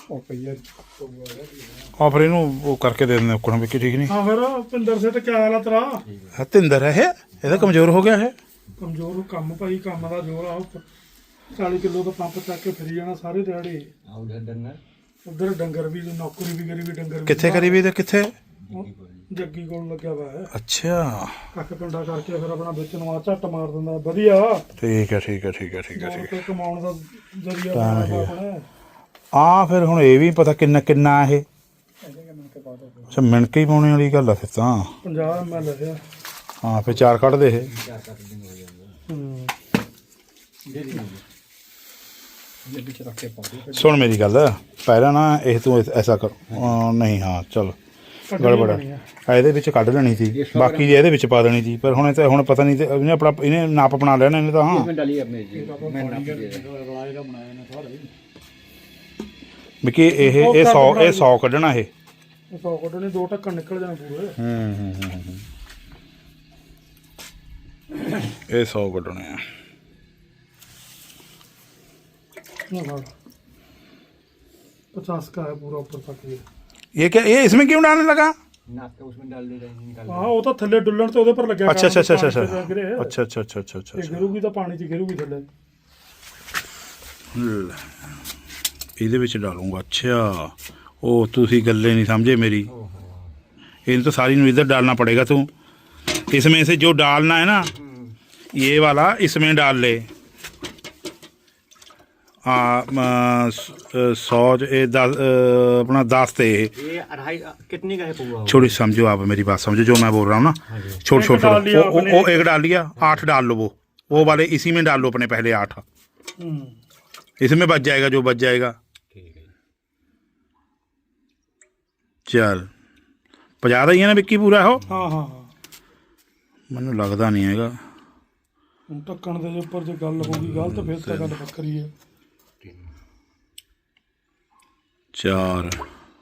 S1: ਆ ਫਿਰ ਇਹਨੂੰ ਉਹ ਕਰਕੇ ਦੇ ਦਿੰਦੇ ਉੱਕਣ ਵੀ ਠੀਕ ਨਹੀਂ।
S2: ਹਾਂ ਫਿਰ ਭਿੰਦਰ ਸੇ ਤੇ ਕਿਆ ਹਾਲ ਆ ਤੇਰਾ?
S1: ਹਤਿੰਦਰ ਹੈ ਇਹ ਇਹਦਾ ਕਮਜ਼ੋਰ ਹੋ ਗਿਆ ਹੈ।
S2: ਕਮਜ਼ੋਰ ਕੰਮ ਭਾਈ ਕੰਮ ਦਾ ਜ਼ੋਰ ਆ। ਚਾਲੀ ਕਿਲੋ ਦਾ ਪੰਪ ਚੱਕ ਕੇ ਫਿਰੀ ਜਾਣਾ ਸਾਰੇ ਦਿਹਾੜੇ। ਉਧਰ ਡੰਗਰ ਵੀ ਨੌਕਰੀ ਵੀ ਕਰੀ ਵੀ ਡੰਗਰ
S1: ਕਿੱਥੇ ਕਰੀ ਵੀ ਤੇ ਕਿੱਥੇ?
S2: ਜੱਗੀ ਕੋਲ ਲੱਗਿਆ ਵਾ ਹੈ।
S1: ਅੱਛਾ
S2: ਕੱਖ ਪਿੰਡਾ ਕਰਕੇ ਫਿਰ ਆਪਣਾ ਵਿੱਚ ਨੂੰ ਆ ਝੱਟ ਮਾਰ ਦਿੰਦਾ ਵਧੀਆ।
S1: ਠੀਕ ਹੈ ਠੀਕ ਹੈ ਠੀਕ ਹੈ ਠੀਕ ਹੈ ਠੀਕ ਹੈ
S2: ਕਮਾਉਣ ਦਾ ਜ਼ਰੀਆ ਬਣਾਇਆ ਆਪਣਾ।
S1: ਆ ਫਿਰ ਹੁਣ ਇਹ ਵੀ ਪਤਾ ਕਿੰਨਾ ਕਿੰਨਾ ਇਹ ਅੱਛਾ ਮਿਣਕੇ ਹੀ ਪਾਉਣੇ ਵਾਲੀ ਗੱਲ ਆ ਫਿਰ ਤਾਂ
S2: ਪੰਜਾਹ ਐਮ ਐਲ ਲਿਆ।
S1: ਹਾਂ ਫਿਰ ਚਾਰ ਕੱਢ ਦੇ ਇਹ।
S2: ਹੂੰ
S1: ਸੁਣ ਮੇਰੀ ਗੱਲ ਪਹਿਲਾਂ ਨਾ ਇਹ ਤੂੰ ਐਸਾ ਕਰ ਨਹੀਂ ਹਾਂ ਚਲ ਗੜਬੜ ਇਹਦੇ ਵਿੱਚ ਕੱਢ ਲੈਣੀ ਸੀ ਬਾਕੀ ਦੀ ਇਹਦੇ ਵਿੱਚ ਪਾ ਦੇਣੀ ਸੀ ਪਰ ਹੁਣ ਇਹ ਤਾਂ ਹੁਣ ਪਤਾ ਨਹੀਂ ਤੇ ਇਹਨੇ ਆਪਣਾ ਇਹਨੇ ਨਾਪ ਬਣਾ ਲੈਣਾ ਇਹਨੇ ਤਾਂ ਹਾਂ ਵੀ ਇਹ ਇਹ ਸੌ ਇਹ ਸੌ ਕੱਢਣਾ ਇਹ
S2: ਸੌ ਕੱਢਣੇ ਦੋ ਢੱਕਣ ਨਿਕਲ ਜਾਣ ਪੂਰੇ।
S1: ਹੂੰ ਹੂੰ ਹੂੰ ਇਹ सौ कटने हैं।
S2: पचास का है पूरा ऊपर तक ये।
S1: ये क्या ये इसमें क्यों डालने लगा?
S3: उसमें डाल दे
S2: हाँ वो तो थल्ले डुलन तो उधर पर लग गया।
S1: अच्छा अच्छा अच्छा अच्छा अच्छा अच्छा अच्छा अच्छा अच्छा अच्छा
S2: गिरूगी तो पानी च गिरूगी थल्ले।
S1: ਇਹਦੇ ਵਿੱਚ डालूंगा। अच्छा ओ तुसी गल्ले नहीं समझे मेरी। इन तो सारी इधर डालना पड़ेगा तू। इसमें से जो डालना है ना ये वाला इसमें डाल ले। सौ दस अपना दस थे
S3: कितनी का है पूरा?
S1: छोड़ी समझो आप मेरी बात समझो जो मैं बोल रहा हूँ ना। छोड़ छोड़ छोड़ वो, वो एक डाल लिया आठ डाल लो वो वो वाले इसी में डाल लो अपने पहले आठ इसमें बच जाएगा जो बच जाएगा। चल पजा ही है ना विक्की पूरा हो।
S2: हाँ हाँ
S1: मैनू लगता नहीं है
S2: ढक्कन के ऊपर जो गल होगी गलत फिर तो गल बकरी है।
S1: चार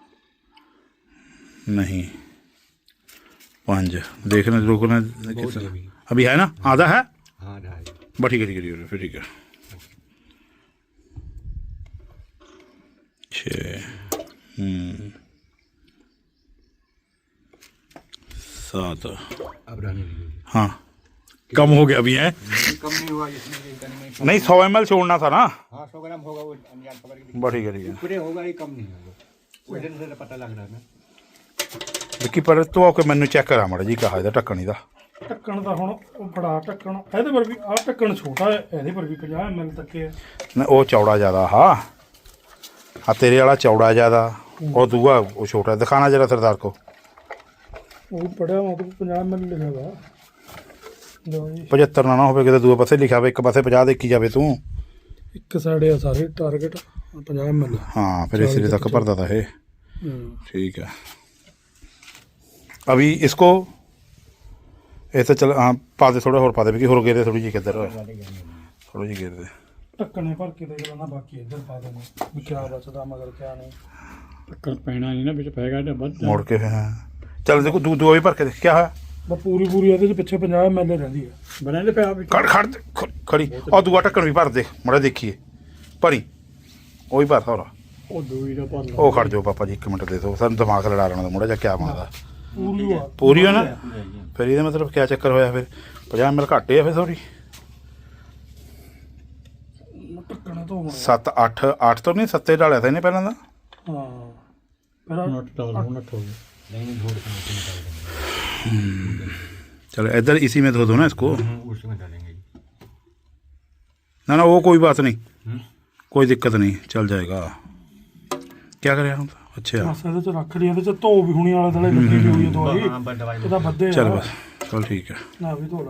S1: नहीं पांच देखना रोकना अभी है ना आधा है।
S3: हाँ
S1: बस ठीक है ठीक है फिर ठीक है। छः सात
S3: अब रहने दीजिए,
S1: हाँ कम हो गया अभी है
S3: कम नहीं हुआ इसमें ये करने में।
S1: नहीं सौ एम एल छोड़ना था ना
S3: हाँ सौ ग्राम होगा वो अनजान खबर की
S1: बड़ी ठीक है
S3: पूरे होगा ही, कम नहीं होगा वजन से पता लग रहा है ना।
S1: ਵਿੱਕੀ ਪਰ ਤੂੰ ਆ ਕੇ ਮੈਨੂੰ ਚੈੱਕ ਕਰਾ ਮੜਾ ਜੀ ਕਹਾ ਇਹਦਾ ਢੱਕਣ ਇਹਦਾ
S2: ਢੱਕਣ ਦਾ ਹੁਣ ਉਹ ਬੜਾ ਢੱਕਣ ਇਹਦੇ ਪਰ ਵੀ ਆਹ ਢੱਕਣ ਛੋਟਾ ਹੈ, ਇਹਦੇ ਪਰ ਵੀ ਪੰਜਾਹ ਐਮ ਐਲ ਤੱਕ ਹੈ।
S1: ਨਾ ਉਹ ਚੌੜਾ ਜ਼ਿਆਦਾ ਹਾਂ ਆ ਤੇਰੇ ਵਾਲਾ ਚੌੜਾ ਜ਼ਿਆਦਾ ਉਹ ਦੂਆ ਉਹ ਛੋਟਾ ਦਿਖਾਣਾ ਜਰਾ ਸਰਦਾਰ ਕੋ
S2: ਉਹ ਪੜਿਆ ਮਤਲਬ ਪੰਜਾਹ ਐਮ ਐਲ ਲਿਖਿਆ ਵਾ ਲਓ ਜੀ
S1: ਪਝੱਤਰ ਨਾ ਨਾ ਹੋਵੇ ਕਿਤੇ ਦੂਏ ਪਾਸੇ ਲਿਖਿਆ ਹੋਵੇ ਇੱਕ ਪਾਸੇ ਪੰਜਾਹ ਦੇਖੀ ਜਾਵੇ ਤੂੰ
S2: ਇੱਕ ਸਾਈਡ ਆ ਸਾਰੇ ਟਾਰਗੇਟ ਪੰਜਾਹ ਐਮ ਐਲ।
S1: हाँ फिर इसी तक भरता था ये ठीक है अभी इसको ऐसे चल हाँ पा दे थोड़ा और पा दे भी हो गए थोड़ी जी किधर थोड़ी जी गिर दे
S2: ਢੱਕਣੇ ਭਰ ਕੇ ਦੇਖ ਲੈਣਾ, ਬਾਕੀ ਇੱਧਰ ਪਾ ਦੇਣਾ ਵੀ ਕਿਆ ਬਚਦਾ ਮਗਰ ਕਿਆ ਨਹੀਂ।
S4: ਢੱਕਣ ਪੈਣਾ ਨਹੀਂ ਨਾ ਵਿੱਚ ਪੈਗਾ ਤਾਂ ਵੱਧ
S1: मोड़ के हाँ चल देखो दू दो भी भर के देख क्या है
S2: ਬਸ ਪੂਰੀ ਪੂਰੀ ਇਹਦੇ ਚ ਪਿੱਛੇ ਪੰਜਾਹ ਐਮ ਐਲ ਰਹਿੰਦੀ ਹੈ।
S4: ਬਣਾਉਂਦੇ ਪਿਆ ਵਿੱਚ
S1: खड़ खड़ दे, ख- खड़ी और दूआ ढक्कन भी भर दे मड़ा देखिए भरी वो भी भर थोड़ा
S4: ਉਹ ਦੂਈ ਦਾ ਭਰ ਲਾ
S1: ਉਹ ਖੜ ਜਾਓ ਪਾਪਾ ਜੀ ਇੱਕ ਮਿੰਟ ਦੇ ਦਿਓ ਸਾਨੂੰ ਦਿਮਾਗ ਲੜਾ ਲੈਣਾ ਮੁੰਡਾ ਜਾਂ ਕਿਆ ਮੰਗਦਾ
S2: ਪੂਰੀ ਆ
S1: ਪੂਰੀ ਹੋ ਨਾ ਫਿਰ ਇਹਦਾ ਮਤਲਬ ਕਿਆ ਚੱਕਰ ਹੋਇਆ ਫਿਰ ਪੰਜਾਹ ਮਿਲ ਘੱਟੇ ਆ ਫਿਰ ਸੌਰੀ
S2: ਢੱਕਣਾ ਤੋਂ ਹੋਣਾ।
S1: ਸੱਤ ਅੱਠ ਅੱਠ ਤੋਂ ਨਹੀਂ ਸੱਤੇ ਡਾਲਿਆ ਤਾਂ ਇਹਨੇ ਪਹਿਲਾਂ ਦਾ
S2: ਹਾਂ ਫਿਰ ਆਹ
S4: ਨੋਟ ਡਾਲ ਹੁਣ ਨੱਠ ਹੋ ਗਿਆ
S1: चलो इधर इसी में धो दो ना इसको
S3: उसमें डालेंगे
S1: ना ना वो कोई बात नहीं कोई दिक्कत नहीं चल जाएगा क्या करे हम अच्छा
S2: ਬਸ ਇਹਦੇ ਚ ਰੱਖ ਲਈ, ਇਹਦੇ ਚ ਧੋ ਵੀ ਹੁਣੀ ਵਾਲੇ ਦਲੇ ਲੱਗੀ ਵੀ ਹੋਈ ਹੈ ਦਵਾਈ
S3: हाँ बस दवाई
S2: ਇਹਦਾ ਬੱਦੇ
S1: चल बस चल ठीक है
S2: ਨਾ ਵੀ ਧੋ ਲਾ।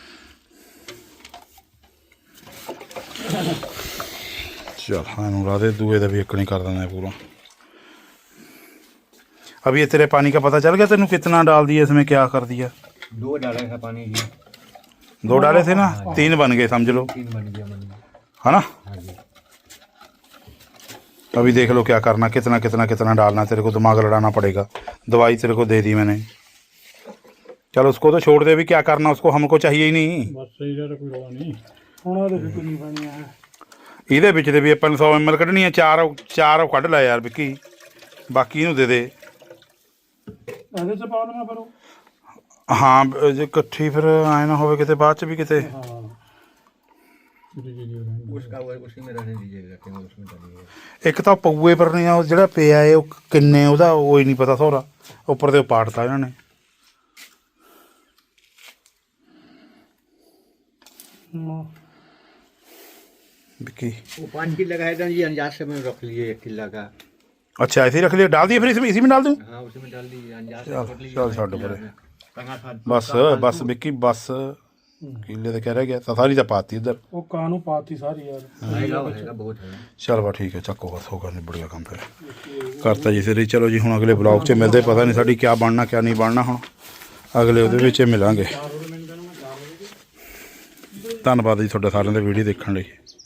S1: चल हाँ ला दे दुए का भी एक नहीं कर देना है पूरा अभी ये तेरे पानी का पता चल गया तेनू कितना डाल दिया इसमें क्या कर दिया
S3: दो डाले था पानी जी,
S1: दो डाले थे ना तीन बन गए समझ लो
S3: तीन बन गया बन गया।
S1: है ना
S3: हाँ जी
S1: अभी देख लो क्या करना कितना कितना कितना डालना तेरे को दिमाग लड़ाना पड़ेगा दवाई तेरे को दे दी मैंने चल उसको तो छोड़ दे भी क्या करना उसको हमको चाहिए ही नहीं
S4: ਬਸ ਸਹੀ ਦਾ ਕੋਈ ਰੌਲਾ ਨਹੀਂ।
S2: ਹੁਣ ਆ ਦੇਖ ਕਿੰਨੀ ਪਾਣੀ ਆ
S1: ਇਹਦੇ ਵਿੱਚ ਦੇ ਵੀ ਆਪਾਂ ਨੂੰ ਸੌ ਐਮ ਐਲ ਕੱਢਣੀ ਆ ਚਾਰ ਚਾਰ ਉਹ ਕੱਢ ਲੈ ਯਾਰ ਵਿੱਕੀ ਬਾਕੀ ਇਹਨੂੰ ਦੇ ਦੇ
S2: ਇਹਦੇ ਚ ਪਾ ਦੇਣਾ ਫਿਰ ਉਹ।
S1: ਹਾਂ ਬ- ਜੇ ਇਕੱਠੀ ਫਿਰ ਆਏ ਨਾ ਹੋਵੇ ਕਿਤੇ ਬਾਅਦ ਚ ਵੀ ਕਿਤੇ
S2: ਹਾਂ
S4: ਜੀ ਜੀ ਜੀ ਰਹਿਣ
S3: उसका वो उसी में रहने दीजिएगा, रखेंगे उसमें डालिएगा।
S1: ਇੱਕ ਤਾਂ ਪਊਏ ਪਰ ਨਹੀਂ ਆ ਉਹ ਜਿਹੜਾ ਪਿਆ ਏ ਉਹ ਕਿੰਨੇ ਉਹਦਾ ਉਹ ਹੀ ਨਹੀਂ ਪਤਾ ਸੋਰਾ ਉੱਪਰ ਤੇ ਉਹ ਪਾੜਤਾ ਇਹਨਾਂ ਨੇ
S2: ਹਾਂ।
S1: ਵਿੱਕੀ
S3: वो पाँच किलो लगाए था जी, अंदाज से में रख लिए एक किलो का।
S1: अच्छा ऐसे ही रख लिया डाल दिए फिर इसमें इसी में डाल दूँ
S3: हाँ उसी में डाल दीजिए, अंदाज से
S1: चल
S3: रख लीजिए।
S1: चल छੱਡ परे
S3: टंगा था
S1: बस बस ਵਿੱਕੀ बस किले तो कह रह गया सारी तो पाती इधर
S2: ਉਹ ਕਾਂ ਨੂੰ ਪਾਤੀ ਸਾਰੀ ਯਾਰ।
S3: आएगा आएगा बहुत है।
S1: चल बा ठीक है ਚੱਕੋ ਬਸ ਹੋਗਾ ਨਹੀਂ ਬੜੀਆ ਕੰਮ ਫਿਰ ਕਰਤਾ ਜੀ ਸਿਰ ਚਲੋ ਜੀ ਹੁਣ ਅਗਲੇ ਬਲੌਗ 'ਚ ਮਿਲਦੇ ਪਤਾ ਨਹੀਂ ਸਾਡੀ ਕਿਆ ਬਣਨਾ ਕਿਆ ਨਹੀਂ ਬਣਨਾ ਹੁਣ ਅਗਲੇ ਉਹਦੇ ਵਿੱਚ ਮਿਲਾਂਗੇ ਧੰਨਵਾਦ ਜੀ ਤੁਹਾਡਾ ਸਾਰਿਆਂ ਦਾ ਵੀਡੀਓ ਦੇਖਣ ਲਈ।